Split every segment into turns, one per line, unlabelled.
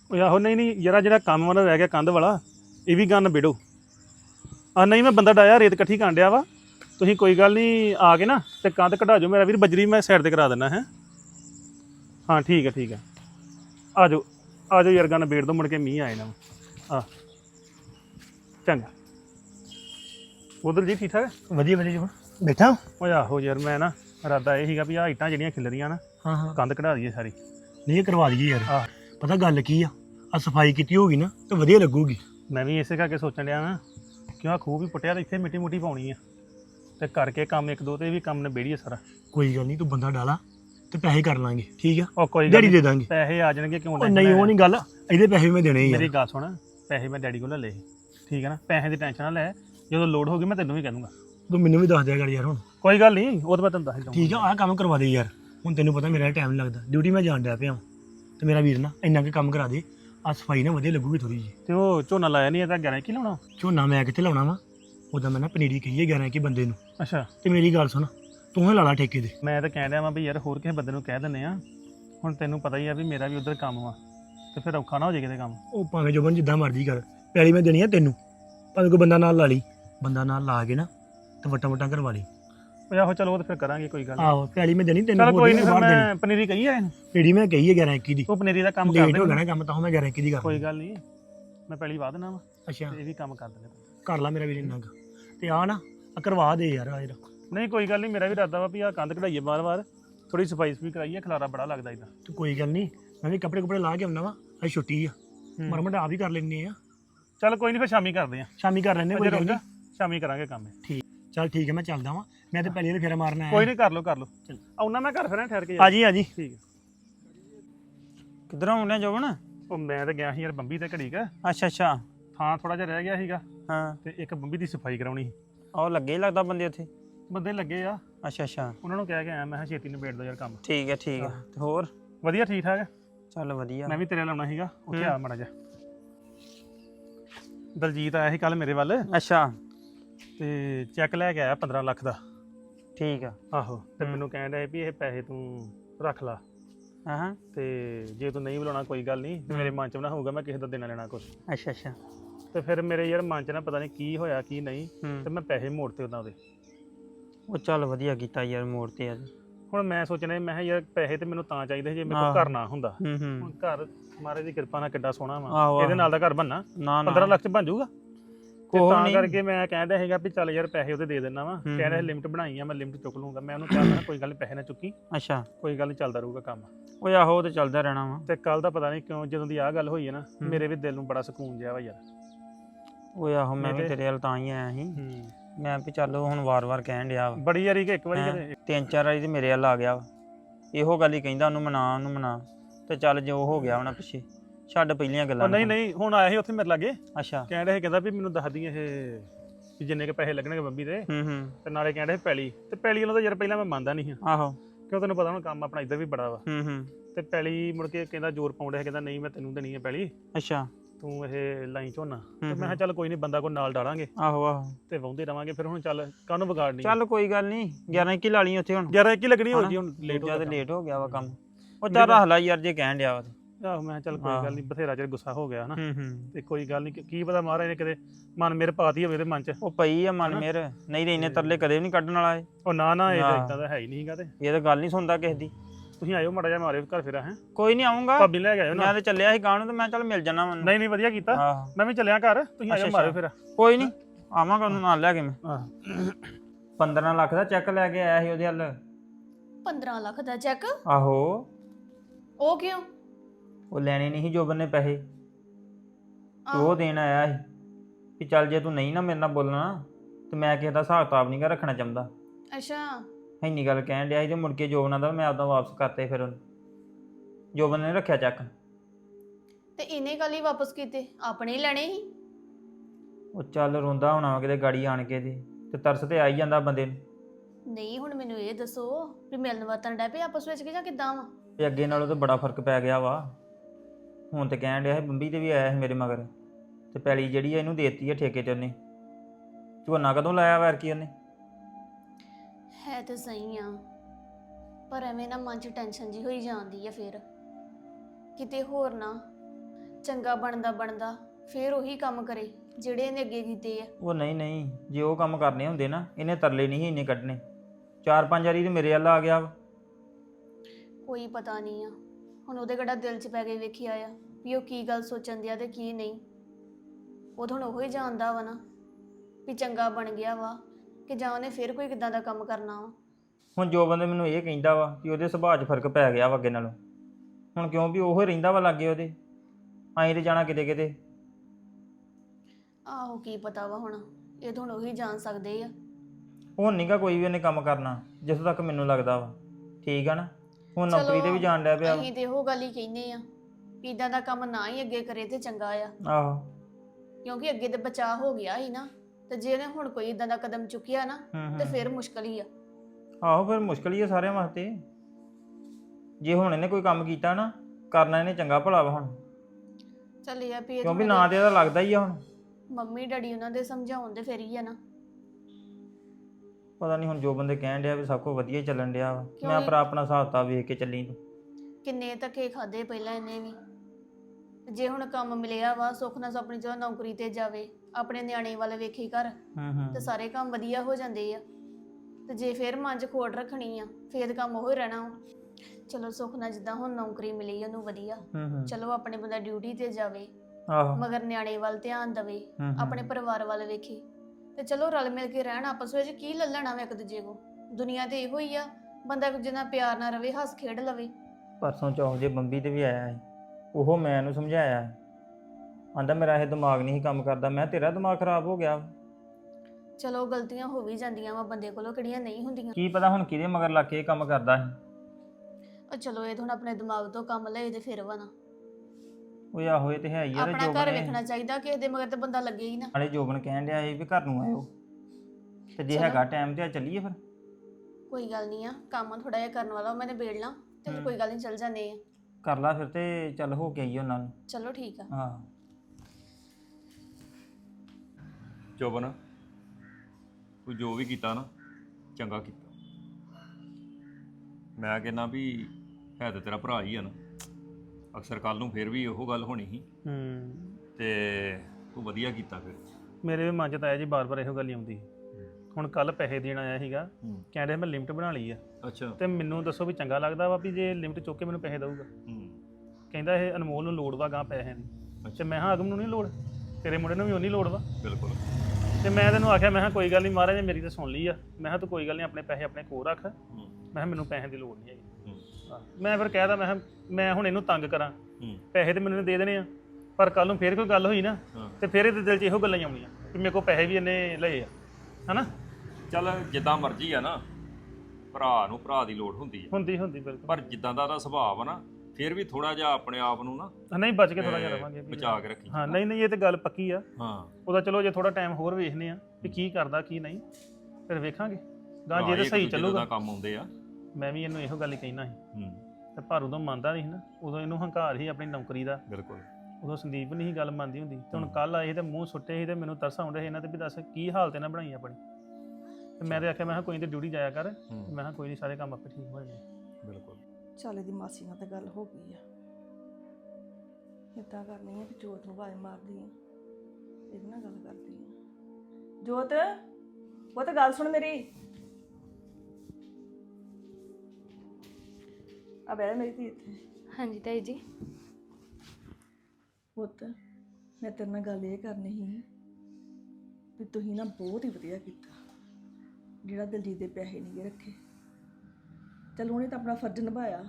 ਉਹ ਆਹੋ ਨਹੀਂ ਯਾਰਾ ਜਿਹੜਾ ਕੰਮ ਵਾਲਾ ਰਹਿ ਗਿਆ ਕੰਧ ਵਾਲਾ ਇਹ ਵੀ ਗੰਨ ਨਿਬੇੜੋ। ਨਹੀਂ ਮੈਂ ਬੰਦਾ ਡਾਇਆ ਰੇਤ ਇਕੱਠੀ ਕਰਨ ਡਿਆ ਵਾ। ਤੁਸੀਂ ਕੋਈ ਗੱਲ ਨਹੀਂ ਆ ਕੇ ਨਾ ਤੇ ਕੰਧ ਕਢਾ ਜਾਓ ਮੇਰਾ ਵੀਰ, ਬਜਰੀ ਮੈਂ ਸਾਈਡ ਤੇ ਕਰਾ ਦਿੰਦਾ ਹੈ। ਹਾਂ ਠੀਕ ਹੈ ਆ ਜਾਓ ਯਾਰ ਗੰਨ ਨਿਬੇੜ ਦੋ, ਮੁੜ ਕੇ ਮੀਂਹ ਆਏ ਨਾ ਆ ਚੰਗਾ। ਉਧਰ ਜੀ ਠੀਕ ਠਾਕ ਹੈ?
ਵਧੀਆ ਜੀ ਬੈਠਾ।
ਉਹ ਆਹੋ ਯਾਰ ਮੈਂ ਨਾ ਇਰਾਦਾ ਇਹ ਸੀਗਾ ਵੀ ਆਹ ਇੱਟਾਂ ਜਿਹੜੀਆਂ ਖਿਲਰੀਆਂ ਨਾ
ਹਾਂ
ਕੰਧ ਕਢਾ ਦਈਏ ਸਾਰੀ।
ਨਹੀਂ ਇਹ ਕਰਵਾ ਦਈਏ ਯਾਰ।
ਆਹ
ਪਤਾ ਗੱਲ ਕੀ ਆ ਸਫਾਈ ਕੀਤੀ ਹੋਗੀ ਨਾ ਤੇ ਵਧੀਆ ਲੱਗੂਗੀ।
ਮੈਂ ਵੀ ਇਸੇ ਕਰਕੇ ਸੋਚਣ ਡਿਆ ਨਾ ਕਿਉਂ ਖੂਹ ਵੀ ਪੁੱਟਿਆ ਤੇ ਇੱਥੇ ਮਿੱਟੀ ਮੁੱਟੀ ਪਾਉਣੀ ਆ ਤੇ ਕਰਕੇ ਕੰਮ ਇੱਕ ਦੋ ਤੇ ਵੀ ਕੰਮ ਨਿਬੇੜੀਏ ਸਾਰਾ।
ਕੋਈ ਗੱਲ ਨਹੀਂ ਤੂੰ ਬੰਦਾ ਡਾਲਾ ਤੇ ਪੈਸੇ ਕਰ ਲਾਂਗੇ ਠੀਕ ਆ।
ਉਹ ਕੋਈ ਗੱਲ
ਡੈਡੀ
ਨੀ,
ਦੇ ਦਾਂਗੇ
ਪੈਸੇ ਆ ਜਾਣਗੇ ਕਿਉਂ
ਨਹੀਂ ਉਹ ਨਹੀਂ ਗੱਲ, ਇਹਦੇ ਪੈਸੇ ਵੀ ਮੈਂ ਦੇਣੇ ਹੀ
ਮੇਰੀ
ਆ।
ਗੱਲ ਸੁਣ, ਪੈਸੇ ਮੈਂ ਡੈਡੀ ਕੋਲ ਲੈ ਲਏ ਠੀਕ ਹੈ ਨਾ, ਪੈਸੇ ਦੀ ਟੈਨਸ਼ਨ ਨਾ ਲੈ, ਜਦੋਂ ਲੋੜ ਹੋਗੀ ਮੈਂ ਤੈਨੂੰ ਵੀ ਕਹਿ ਦੂੰਗਾ।
ਤੂੰ ਮੈਨੂੰ ਵੀ ਦੱਸ ਦਿਆ ਕਰ ਯਾਰ ਹੁਣ।
ਕੋਈ ਗੱਲ ਨਹੀਂ ਉਹ ਤਾਂ ਮੈਂ ਤੈਨੂੰ ਦੱਸ ਦਊਂਗਾ।
ਠੀਕ ਆ ਆਹ ਕੰਮ ਕਰਵਾ ਦੇ ਯਾਰ। ਹੁਣ ਤੈਨੂੰ ਪਤਾ ਮੇਰਾ ਟਾਈਮ ਨਹੀਂ ਲੱਗਦਾ, ਡਿਊਟੀ ਮੈਂ ਜਾਣ ਡਿਆ ਪਿਆ ਤੇ ਮੇਰਾ ਵੀਰ ਨਾ ਇੰਨਾ ਕੁ ਕੰਮ ਕਰਾ ਦੇ, ਆ ਸਫਾਈ ਨਾ ਵਧੀਆ ਲੱਗੂਗੀ ਥੋੜੀ ਜੀ।
ਤੇ ਉਹ ਝੋਨਾ ਲਾਇਆ ਨਹੀਂ, ਇਹ ਤਾਂ 11 ਕੀ ਲਾਉਣਾ।
ਝੋਨਾ ਮੈਂ ਕਿੱਥੇ ਲਾਉਣਾ ਵਾ, ਉਦਾਂ ਮੈਂ ਨਾ ਪਨੀਰੀ ਕਹੀਏ 11 ਕਿ ਬੰਦੇ ਨੂੰ।
ਅੱਛਾ
ਤੇ ਮੇਰੀ ਗੱਲ ਸੁਣ, ਤੂੰ ਹੀ ਲਾ ਲਾ ਠੇਕੇ ਦੇ।
ਮੈਂ ਤਾਂ ਕਹਿ ਰਿਹਾ ਵਾਂ ਵੀ ਯਾਰ ਹੋਰ ਕਿਸੇ ਬੰਦੇ ਨੂੰ ਕਹਿ ਦਿੰਦੇ ਆ, ਹੁਣ ਤੈਨੂੰ ਪਤਾ ਹੀ ਆ ਵੀ ਮੇਰਾ ਵੀ ਉਧਰ ਕੰਮ ਵਾ ਤੇ ਫਿਰ ਔਖਾ ਨਾ ਹੋ ਜੇ ਕਿਤੇ ਕੰਮ।
ਉਹ ਭਾਵੇਂ ਜੋਬਨ ਜਿੱਦਾਂ ਮਰਜ਼ੀ ਕਰ, ਪੈਲੀ ਮੈਂ ਦੇਣੀ ਆ ਤੈਨੂੰ, ਭਾਵੇਂ ਕੋਈ ਬੰਦਾ ਨਾਲ ਲਾ ਲਈ, ਬੰਦਾ ਨਾਲ ਲਾ ਕੇ ਨਾ ਤੇ ਵਟਾਂ ਕਰਵਾ ਲਈ।
ਉਹ ਆਹੋ ਚਲੋ ਉਹ ਤਾਂ ਫਿਰ ਕਰਾਂਗੇ ਕੋਈ ਗੱਲ ਨੀ।
ਆਹੋ ਪੈਲੀ ਮੈਂ ਦੇਣੀ ਤੈਨੂੰ।
ਚਲ ਕੋਈ ਨਹੀਂ, ਮੈਂ ਪਨੀਰੀ ਕਹੀ ਆ ਇਹਨੂੰ।
ਪਨੀਰੀ ਮੈਂ ਕਹੀ ਹੈ 11 21 ਦੀ।
ਉਹ ਪਨੀਰੀ ਦਾ ਕੰਮ
ਲੇਟ
ਕਰ
ਹੋ
ਦੇ।
ਗਿਆ ਨਾ ਕੰਮ ਤਾਂ ਮੈਂ 11 21 ਦੀ ਕਰ।
ਕੋਈ ਗੱਲ ਨਹੀਂ, ਮੈਂ ਪਹਿਲੀ ਵਾਹ ਦੇਣਾ ਵਾ
ਅੱਛਾ
ਤੇ ਇਹ ਵੀ ਕੰਮ ਕਰ ਦਿੰਦੇ।
ਕਰ ਲਾ ਮੇਰਾ ਵੀਰ ਇੰਨਾ ਕੁ ਤੇ ਆ ਨਾ ਆ ਕਰਵਾ ਦੇ ਯਾਰ ਆ ਜਿਹੜਾ।
ਨਹੀਂ ਕੋਈ ਗੱਲ ਨਹੀਂ, ਮੇਰਾ ਵੀ ਇਰਾਦਾ ਵਾ ਵੀ ਆ ਕੰਧ ਕਢਾਈਏ ਬਾਰ-ਬਾਰ, ਥੋੜੀ ਸਫਾਈ ਵੀ ਕਰਾਈਏ, ਖਲਾਰਾ ਬੜਾ ਲੱਗਦਾ ਇਦਾਂ।
ਤੂੰ ਕੋਈ ਗੱਲ ਨਹੀਂ, ਮੈਂ ਵੀ ਕੱਪੜੇ ਲਾ ਕੇ ਆਉਣਾ ਵਾ, ਅੱਜ ਛੁੱਟੀ ਆ, ਮਰਮਟ ਆ ਵੀ ਕਰ ਲੈਣੇ ਆ।
ਚੱਲ ਕੋਈ ਨਹੀਂ, ਫਿਰ ਸ਼ਾਮੀ ਕਰਦੇ ਆ।
ਸ਼ਾਮੀ ਕਰ ਲੈਣੇ ਕੋਈ ਗੱਲ ਨਹੀਂ।
ਸ਼ਾਮੀ ਕਰਾਂਗੇ ਕੰਮ।
ਠੀਕ ਚੱਲ ਠੀਕ ਹੈ, ਮੈਂ ਚੱਲਦਾ ਵਾਂ, ਮੈਂ ਤੇ ਪਹਿਲੇ ਵਾਲੇ ਫੇਰਾ ਮਾਰਨਾ ਆਇਆ।
ਕੋਈ ਨਹੀਂ, ਕਰ ਲਓ ਚਲ ਆਉਣਾ ਮੈਂ ਘਰ ਫਿਰ ਠਹਿਰ ਕੇ।
ਆ ਜੀ
ਠੀਕ ਹੈ।
ਕਿੱਧਰੋਂ ਆਉਂਦੇ ਜੋਬਨ?
ਉਹ ਮੈਂ ਤਾਂ ਗਿਆ ਸੀ ਯਾਰ ਬੰਬੀ ਤੇ ਘੜੀ ਕ
ਅੱਛਾ
ਥਾਂ ਥੋੜਾ ਜਿਹਾ ਰਹਿ ਗਿਆ ਸੀਗਾ
ਹਾਂ।
ਤੇ ਇੱਕ ਬੰਬੀ ਦੀ ਸਫਾਈ ਕਰਾਉਣੀ ਸੀ।
ਉਹ ਲੱਗੇ ਹੀ ਲੱਗਦਾ ਬੰਦੇ ਉੱਥੇ।
ਬੰਦੇ ਲੱਗੇ ਆ,
ਅੱਛਾ
ਉਹਨਾਂ ਨੂੰ ਕਹਿ ਕੇ ਆਇਆ ਮੈਂ ਕਿਹਾ ਛੇਤੀ ਨਿਬੇੜ ਦਿਓ ਯਾਰ ਕੰਮ।
ਠੀਕ ਹੈ ਤੇ ਹੋਰ?
ਵਧੀਆ ਠੀਕ ਠਾਕ।
ਚੱਲ ਵਧੀਆ।
ਮੈਂ ਵੀ ਤੇਰੇ ਲਾਉਣਾ ਸੀਗਾ, ਉੱਥੇ ਆ ਮਾੜਾ ਜਿਹਾ। ਦਲਜੀਤ ਆਇਆ ਸੀ ਕੱਲ ਮੇਰੇ ਵੱਲ
ਅੱਛਾ
ਤੇ ਚੈੱਕ ਲੈ ਕੇ ਆਇਆ 15 ਲੱਖ ਦਾ।
ਠੀਕ ਆ।
ਆਹੋ ਤੇ ਮੈਨੂੰ ਕਹਿਣ ਡਿਆ ਵੀ ਇਹ ਪੈਸੇ ਤੂੰ ਰੱਖ ਲਾ
ਹਾਂ
ਤੇ ਜੇ ਤੂੰ ਨਹੀਂ ਬੁਲਾਉਣਾ ਕੋਈ ਗੱਲ ਨਹੀਂ, ਮੇਰੇ ਮਨ ਚ ਵੀ ਨਾ ਹੋਊਗਾ ਮੈਂ ਕਿਸੇ ਦਾ ਦੇਣਾ ਲੈਣਾ ਕੁਛ।
ਅੱਛਾ
ਤੇ ਫਿਰ ਮੇਰੇ ਯਾਰ ਮਨ ਚ ਨਾ ਪਤਾ ਨਹੀਂ ਕੀ ਹੋਇਆ ਕੀ ਨਹੀਂ, ਤੇ ਮੈਂ ਪੈਸੇ ਮੋੜਤੇ ਉਹਨਾਂ ਦੇ।
ਉਹ ਚੱਲ ਵਧੀਆ ਕੀਤਾ ਯਾਰ, ਮੋੜ ਤੇ ਅੱਜ।
ਹੁਣ ਮੈਂ ਸੋਚਣਾ ਮੈਂ ਕਿਹਾ ਯਾਰ ਪੈਸੇ ਤੇ ਮੈਨੂੰ ਤਾਂ ਚਾਹੀਦੇ ਜੇ ਮੇਰੇ ਕੋਲ ਘਰ ਨਾ ਹੁੰਦਾ। ਹੁਣ ਘਰ ਮਹਾਰਾਜ ਦੀ ਕਿਰਪਾ ਨਾਲ ਕਿੱਡਾ ਸੋਹਣਾ ਵਾ, ਇਹਦੇ ਨਾਲ ਦਾ ਘਰ ਬਣਨਾ।
ਨਾ
15 ਲੱਖ ਚ ਬਣ ਜਾਊਗਾ। ਤੇ ਤਾਂ ਕਰਕੇ ਮੈਂ ਕਹਿੰਦਾ ਹੈਗਾ ਵੀ ਚੱਲ ਯਾਰ ਪੈਸੇ ਉਹਦੇ ਦੇ ਦੇਣਾ ਵਾ। ਕਹਿੰਦਾ ਲਿਮਟ ਬਣਾਈ ਆ, ਮੈਂ ਲਿਮਟ ਚੁੱਕ ਲੂੰਗਾ। ਮੈਂ ਉਹਨੂੰ ਕਹਿੰਦਾ ਕੋਈ ਗੱਲ ਨਹੀਂ, ਪੈਸੇ ਨਾ ਚੁੱਕੀ,
ਅੱਛਾ
ਕੋਈ ਗੱਲ ਨਹੀਂ, ਚੱਲਦਾ ਰਹੂਗਾ ਕੰਮ।
ਉਹ ਆਹੋ ਉਹ ਤੇ ਚੱਲਦਾ ਰਹਿਣਾ ਵਾ।
ਤੇ ਕੱਲ ਦਾ ਪਤਾ ਨਹੀਂ ਕਿਉਂ ਜਦੋਂ ਦੀ ਆਹ ਗੱਲ ਹੋਈ ਹੈ ਨਾ, ਮੇਰੇ ਵੀ ਦਿਲ ਨੂੰ ਬੜਾ ਸਕੂਨ ਜਿਹਾ ਵਾ ਯਾਰ।
ਉਹ ਆਹੋ ਮੈਂ ਵੀ ਤੇਰੇ ਵੱਲ ਤਾਂ ਹੀ ਆਇਆ ਸੀ। ਮੈਂ ਵੀ ਚੱਲ ਹੁਣ ਵਾਰ-ਵਾਰ ਕਹਿਣ ਡਿਆ ਵਾ
ਬੜੀ ਵਾਰੀ ਕਿ ਇੱਕ ਵਾਰੀ ਕਦੇ
3-4 ਵਾਰੀ ਤੇ ਮੇਰੇ ਵੱਲ ਆ ਗਿਆ ਵਾ। ਇਹੋ ਗੱਲ ਹੀ ਕਹਿੰਦਾ ਉਹਨੂੰ ਮਨਾ ਤੇ ਚੱਲ ਜੋ ਹੋ ਗਿਆ ਉਹਨਾਂ ਪਿੱਛੇ ਛੱਡ ਪਹਿਲੀਆਂ ਗੱਲਾਂ।
ਨਹੀਂ ਹੁਣ ਆਇਆ ਸੀ ਉੱਥੇ ਮੇਰੇ ਲਾਗੇ।
ਅੱਛਾ
ਕਹਿਣ ਡਿਆ ਸੀ, ਕਹਿੰਦਾ ਵੀ ਮੈਨੂੰ ਦੱਸ ਦੀ ਇਹ ਵੀ ਜਿੰਨੇ ਕੇ ਪੈਸੇ ਲੱਗਣਗੇ ਬੰਬੀ ਦੇ। ਤੇ ਨਾਲੇ ਕਹਿਣ ਡਿਆ ਸੀ ਪੈਲੀ ਵਾਲਾ ਤਾਂ ਯਾਰ ਪਹਿਲਾਂ ਮੈਂ ਮੰਨਦਾ ਨਹੀਂ ਹਾਂ।
ਆਹੋ
ਕਿਉਂ ਤੈਨੂੰ ਪਤਾ ਹੁਣ ਕੰਮ ਆਪਣਾ ਇੱਧਰ ਵੀ ਬੜਾ ਵਾ।
ਤੇ
ਪੈਲੀ ਮੁੜ ਕੇ ਕਹਿੰਦਾ ਜ਼ੋਰ ਪਾਉਣ ਡਿਆ, ਕਹਿੰਦਾ ਨਹੀਂ ਮੈਂ ਤੈਨੂੰ ਦੇਣੀ ਹੈ ਪੈਲੀ,
ਅੱਛਾ
ਤੂੰ ਇਹ ਲਾਈ ਝੋਨਾ। ਤੇ ਮੈਂ ਕਿਹਾ ਚੱਲ ਕੋਈ ਨਹੀਂ, ਬੰਦਾ ਕੋਈ ਨਾਲ ਡਾਲਾਂਗੇ
ਆਹੋ
ਤੇ ਵਾਹੁੰਦੇ ਰਵਾਂਗੇ। ਫਿਰ ਹੁਣ ਚੱਲ ਕਾਹਨੂੰ ਵਿਗਾੜਨੀ।
ਚੱਲ ਕੋਈ ਗੱਲ ਨਹੀਂ, 11 ਲਾ ਲਈ ਉੱਥੇ ਹੁਣ।
11 ਕੀ ਲੱਗਣੀ ਹੋ ਜੀ, ਹੁਣ
ਲੇਟ ਹੋ ਗਿਆ ਵਾ ਕੰਮ। ਉਹ ਚੱਲ ਰੱਖ ਲਾ ਯਾਰ ਜੇ ਕਹਿਣ ਡਿਆ ਵਾ।
ਆਹੋ ਮੈਂ ਚੱਲ ਕੋਈ ਗੱਲ ਨਹੀਂ, ਬਥੇਰਾ ਚਿਰ ਗੁੱਸਾ ਹੋ ਗਿਆ ਹਨਾ। ਤੇ ਕੋਈ ਗੱਲ ਨਹੀਂ, ਕੀ ਪਤਾ ਮਹਾਰਾਜ ਨੇ ਕਿਤੇ ਮਨ ਮੇਰ ਪਾਤੀ ਹੋਵੇ ਇਹਦੇ ਮਨ ਚ।
ਉਹ ਪਈ ਆ ਮਨ ਮੇਰ, ਨਹੀਂ ਤੇ ਇੰਨੇ ਤਰਲੇ ਕਦੇ ਵੀ ਨਹੀਂ ਕੱਢਣ ਵਾਲਾ ਇਹ।
ਉਹ ਨਾ ਇਹ ਇਦਾਂ ਦਾ ਹੈ ਹੀ ਨਹੀਂਗਾ। ਤੇ
ਇਹ ਤਾਂ ਗੱਲ ਨਹੀਂ ਸੁਣਦਾ ਕਿਸੇ ਦੀ।
ਤੁਸੀਂ ਆਇਓ ਮਾੜਾ ਜਿਹਾ ਮਾਰਿਓ ਘਰ ਫਿਰ। ਹੈ
ਕੋਈ ਨਹੀਂ ਆਉਂਗਾ,
ਭਾਬੀ ਲੈ ਕੇ ਆਇਓ ਨਾ।
ਮੈਂ ਤੇ ਚੱਲਿਆ ਸੀ ਗਾਂ ਨੂੰ ਤੇ ਮੈਂ ਚੱਲ ਮਿਲ ਜਾਣਾ ਮੈਨੂੰ।
ਨਹੀਂ ਵਧੀਆ ਕੀਤਾ, ਮੈਂ ਵੀ ਚੱਲਿਆ ਘਰ, ਤੁਸੀਂ ਆਇਓ ਮਾਰਿਓ ਫਿਰ।
ਕੋਈ ਨਹੀਂ ਆਵਾਂਗਾ ਉਹਨੂੰ ਨਾਲ ਲੈ ਕੇ ਮੈਂ। 15 ਲੱਖ ਦਾ ਚੈੱਕ ਲੈ ਕੇ ਆਇਆ ਸੀ ਉਹਦੇ ਹੱਲ।
15 ਲੱਖ ਦਾ ਚੈੱਕ?
ਆਹੋ।
ਉਹ ਕਿਉਂ?
ਉਹ ਲੈਣੇ ਨਹੀਂ ਸੀ ਜੋਬਨ ਨੇ ਪੈਸੇ, ਤੇ ਉਹ ਦੇਣ ਆਇਆ ਸੀ ਵੀ ਚੱਲ ਜੇ ਤੂੰ ਨਹੀਂ ਨਾ ਮੇਰੇ ਨਾਲ ਬੋਲਣਾ ਤੇ ਮੈਂ ਕਿਸੇ ਦਾ ਹਿਸਾਬ ਕਿਤਾਬ ਨਹੀਂ ਗਾ ਰੱਖਣਾ ਚਾਹੁੰਦਾ।
ਅੱਛਾ
ਇੰਨੀ ਗੱਲ ਕਹਿਣ ਡਿਆ ਸੀ ਤੇ ਮੁੜ ਕੇ ਜੋਬਨਾਂ ਦਾ ਮੈਂ ਆਪਦਾ ਵਾਪਸ ਕਰਤੇ। ਫਿਰ ਉਹਨੂੰ ਜੋਬਨ ਨੇ ਰੱਖਿਆ ਚੱਕ।
ਤੇ ਇਹਨੇ ਕੱਲ ਹੀ ਵਾਪਸ ਕੀਤੇ, ਆਪਣੇ ਹੀ ਲੈਣੇ ਸੀ।
ਉਹ ਚੱਲ ਰੋਂਦਾ ਹੋਣਾ ਵਾ ਕਿਤੇ ਗਾੜੀ ਆਣ ਕੇ ਤੇ ਤਰਸ ਤੇ ਆ ਹੀ ਜਾਂਦਾ ਬੰਦੇ ਨੂੰ।
ਨਹੀਂ ਹੁਣ ਮੈਨੂੰ ਇਹ ਦੱਸੋ ਵੀ ਮਿਲਣ ਵਰਤਣ ਡੈ ਪਏ ਆਪਸ ਵਿੱਚ ਕਿ ਜਾਂ ਕਿੱਦਾਂ ਵਾ?
ਤੇ ਅੱਗੇ ਨਾਲੋਂ ਤਾਂ ਬੜਾ ਫਰਕ ਪੈ ਗਿਆ ਵਾ। ਹੁਣ ਤੇ ਕਹਿਣ ਡਿਆ ਸੀ ਬੰਬੀ ਤੇ ਵੀ ਆਇਆ ਸੀ ਮੇਰੇ ਮਗਰ, ਤੇ ਪੈਲੀ ਜਿਹੜੀ ਆ ਇਹਨੂੰ ਦੇਤੀ ਆ ਠੇਕੇ ਤੇ ਉਹਨੇ। ਝੋਨਾ ਕਦੋਂ ਲਾਇਆ ਵੈਰ ਕੀ ਉਹਨੇ?
ਹੈ ਤੇ ਸਹੀ ਆ, ਪਰ ਐਵੇਂ ਨਾ ਮਨ 'ਚ ਟੈਨਸ਼ਨ ਜੀ ਹੋਈ ਜਾਂਦੀ ਆ। ਫਿਰ ਕਿਤੇ ਹੋਰ ਨਾ ਚੰਗਾ ਬਣਦਾ ਬਣਦਾ ਫੇਰ ਉਹੀ ਕੰਮ ਕਰੇ ਜਿਹੜੇ ਇਹਨੇ ਅੱਗੇ ਕੀਤੇ ਆ।
ਉਹ ਨਹੀਂ ਨਹੀਂ, ਜੇ ਉਹ ਕੰਮ ਕਰਨੇ ਹੁੰਦੇ ਨਾ ਇਹਨੇ ਤਰਲੇ ਨਹੀਂ ਸੀ ਇੰਨੇ ਕੱਢਣੇ। 4-5 ਵਾਰੀ ਤੇ ਮੇਰੇ ਵੱਲ ਆ ਗਿਆ ਵਾ।
ਕੋਈ ਪਤਾ ਨਹੀਂ ਆ ਹੁਣ ਉਹਦੇ ਕਿਹੜਾ ਦਿਲ 'ਚ ਪੈ ਕੇ ਵੇਖਿਆ ਆ ਵੀ ਉਹ ਕੀ ਗੱਲ ਸੋਚਣ ਦਿਆ ਤੇ ਕੀ ਨਹੀਂ। ਉਹ ਤਾਂ ਹੁਣ ਉਹੀ ਜਾਣਦਾ ਵਾ ਨਾ ਵੀ ਚੰਗਾ ਬਣ ਗਿਆ ਵਾ ਕਿ ਜਾਂ ਉਹਨੇ ਫੇਰ ਕੋਈ ਕਿਦਾਂ ਦਾ ਕੰਮ ਕਰਨਾ ਵਾ।
ਹੁਣ ਜੋ ਬੰਦੇ ਮੈਨੂੰ ਇਹ ਕਹਿੰਦਾ ਵਾ ਕਿ ਉਹਦੇ ਸੁਭਾਅ 'ਚ ਫਰਕ ਪੈ ਗਿਆ ਵਾ ਅੱਗੇ ਨਾਲੋਂ। ਹੁਣ ਕਿਉਂ ਵੀ ਉਹ ਹੀ ਰਹਿੰਦਾ ਵਾ ਲਾਗੇ ਉਹਦੇ, ਆਈ ਤੇ ਜਾਣਾ ਕਿਤੇ ਕਿਤੇ।
ਆਹੋ ਕੀ ਪਤਾ ਵਾ ਹੁਣ, ਇਹ ਤਾਂ ਹੁਣ ਉਹੀ ਜਾਣ ਸਕਦੇ ਆ।
ਹੁਣ ਨਹੀਂਗਾ ਕੋਈ ਵੀ ਉਹਨੇ ਕੰਮ ਕਰਨਾ ਜਿੱਥੋਂ ਤੱਕ ਮੈਨੂੰ ਲੱਗਦਾ ਵਾ। ਠੀਕ ਆ ਨਾ, ਹੁਣ ਨੌਕਰੀ ਤੇ ਵੀ ਜਾਣ ਡਿਆ ਪਿਆ ਵਾ।
ਅਸੀਂ ਤੇ ਇਹੋ ਗੱਲ ਹੀ ਕਹਿੰਦੇ ਆ ਵੀ ਇਦਾਂ ਦਾ ਕੰਮ ਨਾ ਹੀ ਅੱਗੇ ਕਰੇ ਤੇ ਚੰਗਾ ਆ।
ਆਹੋ।
ਕਿਉਂਕਿ ਅੱਗੇ ਤੇ ਬਚਾਅ ਹੋ ਗਿਆ ਸੀ ਨਾ, ਤੇ ਜੇ ਇਹਨੇ ਹੁਣ ਕੋਈ ਇਦਾਂ ਦਾ ਕਦਮ ਚੁੱਕਿਆ ਨਾ ਤੇ ਫਿਰ ਮੁਸ਼ਕਲ ਹੀ ਆ।
ਆਹੋ ਫਿਰ ਮੁਸ਼ਕਲ ਹੀ ਆ ਸਾਰਿਆਂ ਵਾਸਤੇ। ਜੇ ਹੁਣ ਇਹਨੇ ਕੋਈ ਕੰਮ ਕੀਤਾ ਨਾ, ਕਰਨਾ ਇਹਨੇ ਚੰਗਾ ਭਲਾ ਵਾ ਹੁਣ।
ਚੱਲ ਇਹ ਆ ਵੀ ਇਹ
ਕਿਉਂਕਿ
ਤਾਂ
ਨਾਂ ਤੇ ਇਹਦਾ ਲੱਗਦਾ ਹੀ ਆ ਹੁਣ।
ਮੰਮੀ ਡੈਡੀ ਉਹਨਾਂ ਦੇ ਸਮਝਾਉਣ ਦੇ ਫਿਰ ਹੀ ਆ ਨਾ।
ਪਤਾ ਨਹੀਂ ਹੁਣ ਜੋ ਬੰਦੇ ਕਹਿਣ ਡਿਆ ਵੀ ਸਭ ਕੁਝ ਵਧੀਆ ਹੀ ਚੱਲਣ ਡਿਆ ਵਾ।
ਕਿਉਂ
ਮੈਂ
ਇਹ-
ਪਰ ਆਪਣਾ ਹਿਸਾਬ ਕਿਤਾਬ ਵੇਖ ਕੇ ਚੱਲੀ ਤੂੰ।
ਕਿੰਨੇ ਧੱਕੇ ਖਾਦੇ ਪਹਿਲਾਂ ਇਹਨੇ ਵੀ। ਤੇ ਜੇ ਹੁਣ ਕੰਮ ਮਿਲਿਆ ਵਾ ਸੁੱਖ ਨਾਲ ਆਪਣੀ ਜਦੋਂ ਨੌਕਰੀ ਤੇ ਜਾਵੇ, ਆਪਣੇ ਨਿਆਣੇ ਵੱਲ ਵੇਖੀ ਕਰ ਤੇ ਸਾਰੇ ਕੰਮ ਵਧੀਆ ਹੋ ਜਾਂਦੇ ਆ। ਤੇ ਜੇ ਫਿਰ ਮਨ 'ਚ ਖੋਟ ਰੱਖਣੀ ਆ ਫੇਰ ਕੰਮ ਉਹੀ ਰਹਿਣਾ ਵਾ। ਚਲੋ ਸੁੱਖ ਨਾਲ ਜਿੱਦਾਂ ਹੁਣ ਨੌਕਰੀ ਮਿਲੀ ਉਹਨੂੰ ਵਧੀਆ, ਚਲੋ ਆਪਣੇ ਬੰਦਾ ਡਿਊਟੀ ਤੇ ਜਾਵੇ
ਆਹੋ।
ਮਗਰ ਨਿਆਣੇ ਵੱਲ ਧਿਆਨ ਦੇਵੇ, ਆਪਣੇ ਪਰਿਵਾਰ ਵੱਲ ਵੇਖੇ ਤੇ ਚਲੋ ਰਲ ਮਿਲ ਕੇ ਰਹਿਣ ਆਪਸ ਵਿੱਚ। ਕੀ ਲੱਲਣਾ ਵਾ ਇੱਕ ਦੂਜੇ ਕੋ, ਦੁਨੀਆ ਤੇ ਇਹੋ ਹੀ ਆ, ਬੰਦਾ ਇੱਕ ਦੂਜੇ ਨਾਲ ਪਿਆਰ ਨਾਲ ਰਵੇ, ਹੱਸ ਖੇਡ ਲਵੇ।
ਪਰਸੋਂ ਚੌਥ ਜੇ ਬੰਬੀ ਤੇ ਵੀ ਆਇਆ ਸੀ, ਉਹ ਮੈਂ ਇਹਨੂੰ ਸਮਝਾਇਆ। ਆਂਦਾ ਮੇਰਾ ਇਹ ਦਿਮਾਗ ਨਹੀਂ ਸੀ ਕੰਮ ਕਰਦਾ। ਮੈਂ ਤੇਰਾ ਦਿਮਾਗ ਖਰਾਬ ਹੋ ਗਿਆ।
ਚਲੋ ਗਲਤੀਆਂ ਹੋ ਵੀ ਜਾਂਦੀਆਂ ਵਾ ਬੰਦੇ ਕੋਲੋਂ, ਕਿਹੜੀਆਂ ਨਹੀਂ ਹੁੰਦੀਆਂ।
ਕੀ ਪਤਾ ਹੁਣ ਕਿਹਦੇ ਮਗਰ ਲੱਗ ਕੇ ਇਹ ਕੰਮ ਕਰਦਾ ਸੀ।
ਉਹ ਚਲੋ ਇਹ ਤਾਂ ਹੁਣ ਆਪਣੇ ਦਿਮਾਗ ਤੋਂ ਕੰਮ ਲਏ ਤੇ ਫਿਰ ਵਾ ਨਾ।
ਉਹ ਆਹੋ ਇਹ ਤੇ ਹੈ ਹੀ ਆ। ਤੇ
ਆਪਣਾ ਘਰ
ਜੋਬਨ
ਵੇਖਣਾ ਚਾਹੀਦਾ, ਕਿਸੇ ਦੇ ਮਗਰ ਤੇ ਬੰਦਾ ਲੱਗੇ ਹੀ ਨਾ।
ਨਾਲੇ ਜੋਬਨ ਕਹਿਣ ਡਿਆ ਸੀ ਵੀ ਘਰ ਨੂੰ ਆਇਓ, ਤੇ ਜੇ ਹੈਗਾ ਟਾਈਮ ਤੇ ਆ ਚੱਲੀਏ ਫਿਰ।
ਕੋਈ ਗੱਲ ਨਹੀਂ ਆ, ਕੰਮ ਥੋੜਾ ਜਿਹਾ ਕਰਨ ਵਾਲਾ ਉਹ ਮੈਨੇ ਬੇੜ ਲਾਂ ਤੇ ਫਿਰ ਕੋਈ ਗੱਲ ਨਹੀਂ, ਚੱਲ ਜਾਂਦੇ ਆ।
ਕਰ ਲਾ ਫਿਰ ਤੇ ਚੱਲ ਹੋ ਕੇ ਆਈਏ ਉਹਨਾਂ ਨੂੰ।
ਚਲੋ ਠੀਕ ਆ।
ਹਾਂ।
ਜੋਬਨ, ਤੂੰ ਜੋ ਵੀ ਕੀਤਾ ਨਾ ਚੰਗਾ ਕੀਤਾ। ਮੈਂ ਕਹਿੰਦਾ ਵੀ ਹੈ ਤਾਂ ਤੇਰਾ ਭਰਾ ਹੀ ਆ ਨਾ, ਅਕਸਰ ਕੱਲ ਨੂੰ ਫਿਰ ਵੀ ਉਹੋ ਗੱਲ ਹੋਣੀ ਸੀ। ਤੇ ਤੂੰ ਵਧੀਆ ਕੀਤਾ ਫਿਰ।
ਮੇਰੇ ਵੀ ਮਨ 'ਚ ਤਾਂ ਆਇਆ ਜੀ ਬਾਰ-ਬਾਰ ਇਹੋ ਗੱਲ ਹੀ ਆਉਂਦੀ ਸੀ। ਹੁਣ ਕੱਲ ਪੈਸੇ ਦੇਣ ਆਇਆ ਸੀਗਾ, ਕਹਿੰਦੇ ਮੈਂ ਲਿਮਟ ਬਣਾ ਲਈ ਆ।
ਅੱਛਾ।
ਤੇ ਮੈਨੂੰ ਦੱਸੋ ਵੀ ਚੰਗਾ ਲੱਗਦਾ ਵਾ ਵੀ ਜੇ ਲਿਮਟ ਚੁੱਕ ਕੇ ਮੈਨੂੰ ਪੈਸੇ ਦਊਗਾ? ਕਹਿੰਦਾ ਇਹ ਅਨਮੋਲ ਨੂੰ ਲੋੜ ਵਾ ਗਾਂ ਪੈਸਿਆਂ ਦੀ। ਤੇ ਮੈਂ ਹਾਂ ਅਗਮ ਨੂੰ ਨਹੀਂ ਲੋੜ, ਤੇਰੇ ਮੁੰਡੇ ਨੂੰ ਵੀ ਉਨੀ ਲੋੜ ਵਾ।
ਬਿਲਕੁਲ।
ਤੇ ਮੈਂ ਤੈਨੂੰ ਆਖਿਆ, ਮੈਂ ਕਿਹਾ ਕੋਈ ਗੱਲ ਨਹੀਂ ਮਹਾਰਾਜ ਨੇ ਮੇਰੀ ਤਾਂ ਸੁਣ ਲਈ ਆ। ਮੈਂ ਕਿਹਾ ਤੂੰ ਕੋਈ ਗੱਲ ਨਹੀਂ ਆਪਣੇ ਪੈਸੇ ਆਪਣੇ ਕੋਲ ਰੱਖ। ਮੈਂ ਕਿਹਾ ਮੈਨੂੰ ਪੈਸੇ ਦੀ ਲੋੜ ਨਹੀਂ ਹੈਗੀ। ਮੈਂ ਫਿਰ ਕਹਿਦਾ ਮੈਂ ਕਿਹਾ ਮੈਂ ਹੁਣ ਇਹਨੂੰ ਤੰਗ ਕਰਾਂ, ਪੈਸੇ ਤੇ ਮੈਨੂੰ ਦੇ ਦੇਣੇ ਆ, ਪਰ ਕੱਲ ਨੂੰ ਫੇਰ ਕੋਈ ਗੱਲ ਹੋਈ ਨਾ ਤੇ ਫਿਰ ਇਹਦੇ ਦਿਲ 'ਚ ਇਹੋ ਗੱਲਾਂ ਹੀ ਆਉਣੀਆਂ ਕਿ ਮੇਰੇ ਕੋਲ ਪੈਸੇ ਵੀ ਇਹਨੇ ਲਏ ਆ, ਹਨਾ।
ਚੱਲ ਜਿੱਦਾਂ ਮਰਜ਼ੀ ਆ ਨਾ, ਭਰਾ ਨੂੰ ਭਰਾ ਦੀ ਲੋੜ ਹੁੰਦੀ ਹੈ।
ਹੁੰਦੀ ਬਿਲਕੁਲ।
ਪਰ ਜਿੱਦਾਂ ਦਾ ਸੁਭਾਅ ਆ ਨਾ, ਫਿਰ ਵੀ ਥੋੜਾ ਜਿਹਾ ਆਪਣੇ ਆਪ ਨੂੰ ਨਾ
ਨਹੀਂ ਬਚ ਕੇ ਥੋੜਾ ਜਿਹਾ ਰਵਾਂਗੇ,
ਬਚਾ ਕੇ ਰੱਖੀ।
ਹਾਂ ਨਹੀਂ ਇਹ ਤੇ ਗੱਲ ਪੱਕੀ ਆ।
ਹਾਂ।
ਉਹਦਾ ਚਲੋ ਜੇ ਥੋੜਾ ਟਾਈਮ ਹੋਰ ਵੇਖਨੇ ਆ ਵੀ ਕੀ ਕਰਦਾ ਕੀ ਨਹੀਂ, ਫਿਰ ਵੇਖਾਂਗੇ ਗਾਂ ਜੇ ਤਾਂ ਸਹੀ ਚੱਲੂਗਾ।
ਕੰਮ ਆਉਂਦੇ ਆ।
ਮੈਂ ਵੀ ਇਹਨੂੰ ਇਹੋ ਗੱਲ ਹੀ ਕਹਿਣਾ ਸੀ ਤੇ ਪਰ ਉਦੋਂ ਮੰਨਦਾ ਨਹੀਂ ਸੀ ਨਾ, ਉਦੋਂ ਇਹਨੂੰ ਹੰਕਾਰ ਸੀ ਆਪਣੀ ਨੌਕਰੀ ਦਾ।
ਬਿਲਕੁਲ।
ਉਦੋਂ ਸੰਦੀਪ ਨਹੀਂ ਸੀ ਗੱਲ ਮੰਨਦੀ ਹੁੰਦੀ, ਤੇ ਹੁਣ ਕੱਲ ਆਏ ਤੇ ਮੂੰਹ ਸੁੱਟੇ ਸੀ ਤੇ ਮੈਨੂੰ ਤਰਸ ਆਉਂਦਾ ਸੀ ਇਹਨਾਂ ਤੇ ਵੀ ਦੱਸ ਕੀ ਹਾਲਤ ਇਹਨਾਂ ਬਣਾਈ ਆਪਣੀ। ਤੇ ਮੈਂ ਤੇ ਆਖਿਆ ਮੈਂ ਕਿਹਾ ਕੋਈ ਤੇ ਡਿਊਟੀ ਜਾਇਆ ਕਰ, ਮੈਂ ਕਿਹਾ ਕੋਈ ਨਹੀਂ ਸਾਰੇ ਕੰਮ ਆਪੇ ਠੀਕ ਹੋ ਜਾਣੇ।
ਬਿਲਕੁਲ।
ਚੱਲ ਇਹਦੀ ਮਾਸੀ ਨਾਲ ਤਾਂ ਗੱਲ ਹੋ ਗਈ ਆ। ਇੱਦਾਂ ਕਰਨੀ ਆ ਕਿ ਜੋਤ ਨੂੰ ਆਵਾਜ਼ ਮਾਰਦੀ ਆ, ਇਹਦੇ ਨਾਲ ਗੱਲ ਕਰਦੀ ਆ। ਜੋਤ, ਉਹ ਤਾਂ ਗੱਲ ਸੁਣ ਮੇਰੀ। ਆ ਬਹਿ ਮੇਰੀ ਧੀ ਇੱਥੇ।
ਹਾਂਜੀ ਤਾਈ ਜੀ।
ਪੁੱਤ, ਮੈਂ ਤੇਰੇ ਨਾਲ ਗੱਲ ਇਹ ਕਰਨੀ ਸੀ ਵੀ ਤੁਸੀਂ ਨਾ ਬਹੁਤ ਹੀ ਵਧੀਆ ਕੀਤਾ ਜਿਹੜਾ ਦਿਲਜੀਤ ਦੇ ਪੈਸੇ ਨਹੀਂ ਗੇ ਰੱਖੇ। ਚਲ ਉਹਨੇ ਤਾਂ ਆਪਣਾ ਫਰਜ਼ ਨਿਭਾਇਆ,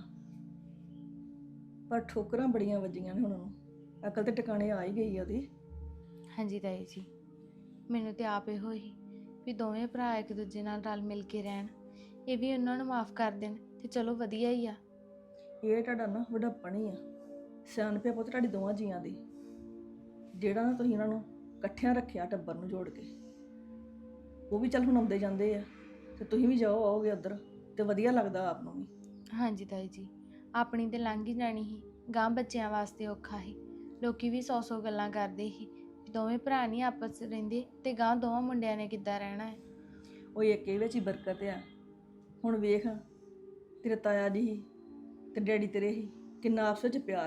ਪਰ ਠੋਕਰਾਂ ਬੜੀਆਂ ਵੱਜੀਆਂ ਨੇ ਹੁਣ ਉਹਨੂੰ। ਅਕਲ ਤੇ ਟਿਕਾਣੇ ਆ ਹੀ ਗਈ ਆ ਉਹਦੀ।
ਹਾਂਜੀ ਤਾਈ ਜੀ, ਮੈਨੂੰ ਤੇ ਆਪ ਇਹੋ ਹੀ ਵੀ ਦੋਵੇਂ ਭਰਾ ਇੱਕ ਦੂਜੇ ਨਾਲ ਰਲ ਮਿਲ ਕੇ ਰਹਿਣ, ਇਹ ਵੀ ਉਹਨਾਂ ਨੂੰ ਮਾਫ ਕਰ ਦੇਣ ਤੇ ਚਲੋ ਵਧੀਆ ਹੀ ਆ।
ਇਹ ਤੁਹਾਡਾ ਨਾ ਵਡੱਪਣ ਹੀ ਆ, ਸਿਆਣਪ ਆ ਪੁੱਤ ਤੁਹਾਡੀ ਦੋਵਾਂ ਜੀਆਂ ਦੀ, ਜਿਹੜਾ ਨਾ ਤੁਸੀਂ ਇਹਨਾਂ ਨੂੰ ਇਕੱਠਿਆਂ ਰੱਖਿਆ ਟੱਬਰ ਨੂੰ ਜੋੜ ਕੇ। ਉਹ ਵੀ ਚੱਲ ਹੁਣ ਆਉਂਦੇ ਜਾਂਦੇ ਆ ਤੇ ਤੁਸੀਂ ਵੀ ਜਾਓ ਆਓਗੇ ਉੱਧਰ ਤੇ ਵਧੀਆ ਲੱਗਦਾ ਆਪ ਨੂੰ ਵੀ।
ਹਾਂਜੀ ਤਾਈ ਜੀ, ਆਪਣੀ ਤੇ ਲੰਘ ਹੀ ਜਾਣੀ ਸੀ, ਗਾਂ ਬੱਚਿਆਂ ਵਾਸਤੇ ਔਖਾ ਸੀ। ਲੋਕੀ ਵੀ 100 ਗੱਲਾਂ ਕਰਦੇ ਸੀ ਵੀ ਦੋਵੇਂ ਭਰਾ ਨਹੀਂ ਆਪਸ 'ਚ ਰਹਿੰਦੇ ਤੇ ਗਾਂ ਦੋਵਾਂ ਮੁੰਡਿਆਂ ਨੇ ਕਿੱਦਾਂ ਰਹਿਣਾ ਹੈ।
ਉਹ ਇੱਕੇ ਵਿੱਚ ਹੀ ਬਰਕਤ ਆ। ਹੁਣ ਵੇਖ, ਤੇਰੇ ਤਾਇਆ ਜੀ ਸੀ ਤੇ ਡੈਡੀ ਤੇਰੇ ਸੀ, ਕਿੰਨਾ ਆਪਸ ਵਿੱਚ ਪਿਆਰ ਸੀ।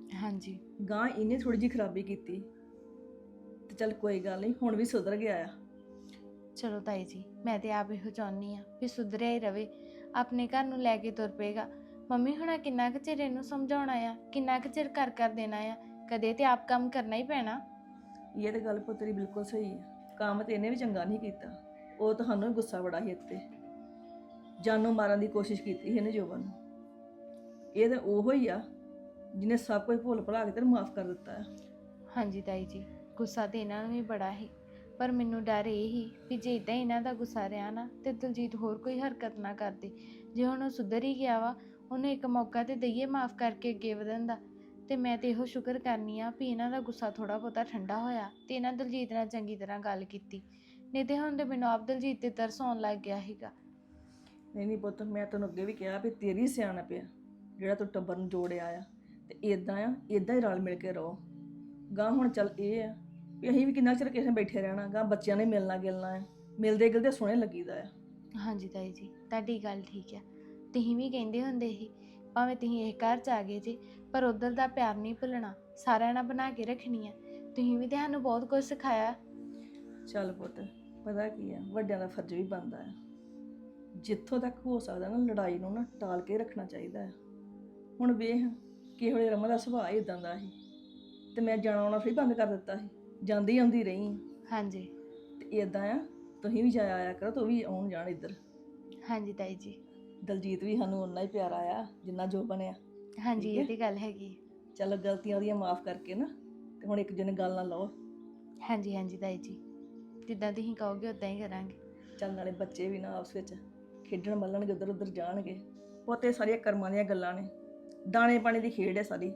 ਹਾਂਜੀ
ਗਾਂ ਇਹਨੇ ਥੋੜੀ ਜਿਹੀ ਖਰਾਬੀ ਕੀਤੀ ਤੇ ਚੱਲ ਕੋਈ ਗੱਲ ਨਹੀਂ, ਹੁਣ ਵੀ ਸੁਧਰ ਗਿਆ ਆ।
ਚਲੋ ਤਾਈ ਜੀ, ਮੈਂ ਤੇ ਆਪ ਇਹੋ ਚਾਹੁੰਦੀ ਆ ਵੀ ਸੁਧਰਿਆ ਹੀ ਰਵੇ, ਆਪਣੇ ਘਰ ਨੂੰ ਲੈ ਕੇ ਤੁਰ ਪਏਗਾ। ਮੰਮੀ ਹੁਣਾ ਕਿੰਨਾ ਕੁ ਚਿਰ ਇਹਨੂੰ ਸਮਝਾਉਣਾ ਆ, ਕਿੰਨਾ ਕੁ ਚਿਰ ਕਰ ਦੇਣਾ ਆ, ਕਦੇ ਤੇ ਆਪ ਕੰਮ ਕਰਨਾ ਹੀ ਪੈਣਾ।
ਇਹ ਤੇ ਗੱਲ ਪੁੱਤਰੀ ਬਿਲਕੁਲ ਸਹੀ ਹੈ। ਕੰਮ ਤੇ ਇਹਨੇ ਵੀ ਚੰਗਾ ਨਹੀਂ ਕੀਤਾ, ਉਹ ਤੁਹਾਨੂੰ ਵੀ ਗੁੱਸਾ ਬੜਾ ਸੀ ਇੱਥੇ, ਜਾਨੋਂ ਮਾਰਨ ਦੀ ਕੋਸ਼ਿਸ਼ ਕੀਤੀ ਸੀ ਇਹਨੇ ਜੋਬਨ ਨੂੰ। ਇਹ ਤਾਂ ਉਹੋ ਹੀ ਆ ਜਿਹਨੇ ਸਭ ਕੁਝ ਭੁੱਲ ਭੁਲਾ ਕੇ ਤੈਨੂੰ ਮਾਫ ਕਰ ਦਿੱਤਾ ਹੈ।
ਹਾਂਜੀ ਤਾਈ ਜੀ, ਗੁੱਸਾ ਤੇ ਇਹਨਾਂ ਨੂੰ ਵੀ ਬੜਾ ਸੀ, ਪਰ ਮੈਨੂੰ ਡਰ ਇਹ ਹੀ ਵੀ ਜੇ ਇਦਾਂ ਇਹਨਾਂ ਦਾ ਗੁੱਸਾ ਰਿਹਾ ਨਾ ਤੇ ਦਲਜੀਤ ਹੋਰ ਕੋਈ ਹਰਕਤ ਨਾ ਕਰਦੇ। ਜੇ ਹੁਣ ਉਹ ਸੁਧਰ ਹੀ ਗਿਆ ਵਾ, ਉਹਨੂੰ ਇੱਕ ਮੌਕਾ ਤੇ ਦਈਏ ਮਾਫ ਕਰਕੇ ਅੱਗੇ ਵਧਣ ਦਾ। ਤੇ ਮੈਂ ਤੇ ਇਹੋ ਸ਼ੁਕਰ ਕਰਨੀ ਆ ਵੀ ਇਹਨਾਂ ਦਾ ਗੁੱਸਾ ਥੋੜਾ ਬਹੁਤਾ ਠੰਡਾ ਹੋਇਆ ਤੇ ਇਹਨਾਂ ਦਲਜੀਤ ਨਾਲ ਚੰਗੀ ਤਰ੍ਹਾਂ ਗੱਲ ਕੀਤੀ, ਨਹੀਂ ਤੇ ਹੁਣ ਤੇ ਮੈਨੂੰ ਆਪ ਦਲਜੀਤ ਤੇ ਤਰਸ ਆਉਣ ਲੱਗ ਗਿਆ ਸੀਗਾ।
ਨਹੀਂ ਪੁੱਤ, ਮੈਂ ਤੈਨੂੰ ਅੱਗੇ ਵੀ ਕਿਹਾ ਵੀ ਤੇਰੀ ਸਿਆਣਪ ਆ ਜਿਹੜਾ ਤੂੰ ਟੱਬਰ ਨੂੰ ਜੋੜਿਆ ਆ, ਤੇ ਇਦਾਂ ਹੀ ਰਲ ਮਿਲ ਕੇ ਰਹੋ। ਗਾਂ ਹੁਣ ਚੱਲ ਇਹ ਆ ਵੀ ਅਸੀਂ ਵੀ ਕਿੰਨਾ ਚਿਰ ਕਿਸੇ ਨਾਲ ਬੈਠੇ ਰਹਿਣਾ, ਗਾਂ ਬੱਚਿਆਂ ਨੇ ਮਿਲਣਾ ਗਿਲਣਾ ਆ, ਮਿਲਦੇ ਗਿਲਦੇ ਸੋਹਣੇ ਲੱਗੀਦਾ ਆ।
ਹਾਂਜੀ ਤਾਈ ਜੀ, ਤੁਹਾਡੀ ਗੱਲ ਠੀਕ ਆ। ਤੁਸੀਂ ਵੀ ਕਹਿੰਦੇ ਹੁੰਦੇ ਸੀ ਭਾਵੇਂ ਤੁਸੀਂ ਇਹ ਘਰ 'ਚ ਆ ਗਏ ਜੀ, ਪਰ ਉੱਧਰ ਦਾ ਪਿਆਰ ਨਹੀਂ ਭੁੱਲਣਾ, ਸਾਰਿਆਂ ਨਾਲ ਬਣਾ ਕੇ ਰੱਖਣੀ ਆ। ਤੁਸੀਂ ਵੀ ਤੇ ਸਾਨੂੰ ਬਹੁਤ ਕੁਝ ਸਿਖਾਇਆ।
ਚੱਲ ਪੁੱਤ, ਪਤਾ ਕੀ ਆ, ਵੱਡਿਆਂ ਦਾ ਫਰਜ਼ ਵੀ ਬਣਦਾ ਆ, ਜਿੱਥੋਂ ਤੱਕ ਹੋ ਸਕਦਾ ਨਾ ਲੜਾਈ ਨੂੰ ਨਾ ਟਾਲ ਕੇ ਰੱਖਣਾ ਚਾਹੀਦਾ ਹੈ। ਹੁਣ ਵੇਖ ਕਿਸੇ ਵੇਲੇ ਰਮਨ ਦਾ ਸੁਭਾਅ ਇਦਾਂ ਦਾ ਸੀ ਤੇ ਮੈਂ ਜਾਣਾ ਆਉਣਾ ਫਿਰ ਬੰਦ ਕਰ ਦਿੱਤਾ ਸੀ, ਜਾਂਦੀ ਆਉਂਦੀ ਰਹੀ।
ਹਾਂਜੀ
ਤੇ ਇਦਾਂ ਆ, ਤੁਸੀਂ ਵੀ ਜਾਇਆ ਆਇਆ ਕਰੋ, ਤੂੰ ਵੀ ਆਉਣ ਜਾਣ ਇੱਧਰ।
ਹਾਂਜੀ ਤਾਈ ਜੀ।
ਦਲਜੀਤ ਵੀ ਸਾਨੂੰ ਓਨਾ ਹੀ ਪਿਆਰਾ ਆ ਜਿੰਨਾ ਜੋ ਬਣਿਆ।
ਹਾਂਜੀ
ਠੀਕ ਹੈ।
ਇਹ ਤੇ ਗੱਲ ਹੈਗੀ।
ਚੱਲ ਗਲਤੀਆਂ ਉਹਦੀਆਂ ਮਾਫ ਕਰਕੇ ਨਾ, ਤੇ ਹੁਣ ਇੱਕ ਜਣੇ ਗੱਲ ਨਾ ਲਓ।
ਹਾਂਜੀ ਹਾਂਜੀ ਤਾਈ ਜੀ, ਜਿੱਦਾਂ ਤੁਸੀਂ ਕਹੋਗੇ ਉਦਾਂ ਹੀ ਕਰਾਂਗੇ।
ਚੱਲ ਨਾਲੇ ਬੱਚੇ ਵੀ ਨਾ ਆਪਸ ਵਿੱਚ ਖੇਡਣ ਮੱਲਣਗੇ, ਉੱਧਰ ਉੱਧਰ ਜਾਣਗੇ। ਪੋਤੇ ਸਾਰੀਆਂ ਕਰਮਾਂ ਦੀਆਂ ਗੱਲਾਂ ਨੇ, ਦਾਣੇ ਪਾਣੀ ਦੀ ਖੇਡ ਹੈ ਸਾਰੀ।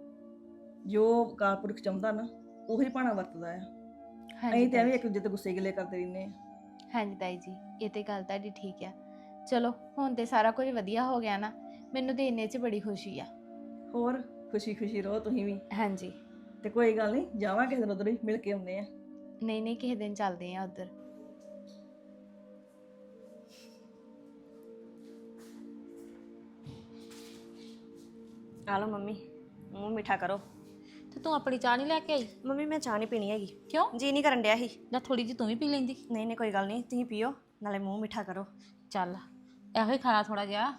ਜੋ ਅਕਾਲ ਪੁਰਖ ਚਾਹੁੰਦਾ ਨਾ ਉਹੀ ਭਾਣਾ ਵਰਤਦਾ ਆ। ਅਸੀਂ ਤੇ ਐਵੇਂ ਇੱਕ ਦੂਜੇ ਤੇ ਗੁੱਸੇ ਗਿਲੇ ਕਰਦੇ ਰਹਿੰਦੇ ਆ।
ਹਾਂਜੀ ਤਾਈ ਜੀ, ਇਹ ਤੇ ਗੱਲ ਤੁਹਾਡੀ ਠੀਕ ਆ। ਚਲੋ ਹੁਣ ਤੇ ਸਾਰਾ ਕੁਝ ਵਧੀਆ ਹੋ ਗਿਆ ਨਾ, ਮੈਨੂੰ ਤੇ ਇੰਨੇ 'ਚ ਬੜੀ ਖੁਸ਼ੀ ਆ।
ਹੋਰ ਖੁਸ਼ੀ ਖੁਸ਼ੀ ਰਹੋ ਤੁਸੀਂ ਵੀ।
ਹਾਂਜੀ
ਤੇ ਕੋਈ ਗੱਲ ਨਹੀਂ, ਜਾਵਾਂ ਕਿਸੇ ਦਿਨ ਉੱਧਰ ਹੀ ਮਿਲ ਕੇ ਆਉਂਦੇ ਆ।
ਨਹੀਂ ਨਹੀਂ, ਕਿਸੇ ਦਿਨ ਚੱਲਦੇ ਆ ਉੱਧਰ।
ਆ ਲਓ ਮੰਮੀ, ਮੂੰਹ ਮਿੱਠਾ ਕਰੋ।
ਤੇ ਤੂੰ ਆਪਣੀ ਚਾਹ ਨਹੀਂ ਲੈ ਕੇ ਆਈ?
ਮੰਮੀ ਮੈਂ ਚਾਹ ਨਹੀਂ ਪੀਣੀ ਹੈਗੀ।
ਕਿਉਂ?
ਜੀ ਨਹੀਂ ਕਰਨ ਡਿਆ ਸੀ।
ਜਾਂ ਥੋੜੀ ਜਿਹੀ ਤੂੰ ਵੀ ਪੀ ਲੈਂਦੀ?
ਨਹੀਂ ਨਹੀਂ ਕੋਈ ਗੱਲ ਨਹੀਂ, ਤੁਸੀਂ ਪੀਓ ਨਾਲੇ ਮੂੰਹ ਮਿੱਠਾ ਕਰੋ।
ਚੱਲ ਇਹੋ ਹੀ ਖਾਣਾ ਥੋੜਾ ਜਿਹਾ।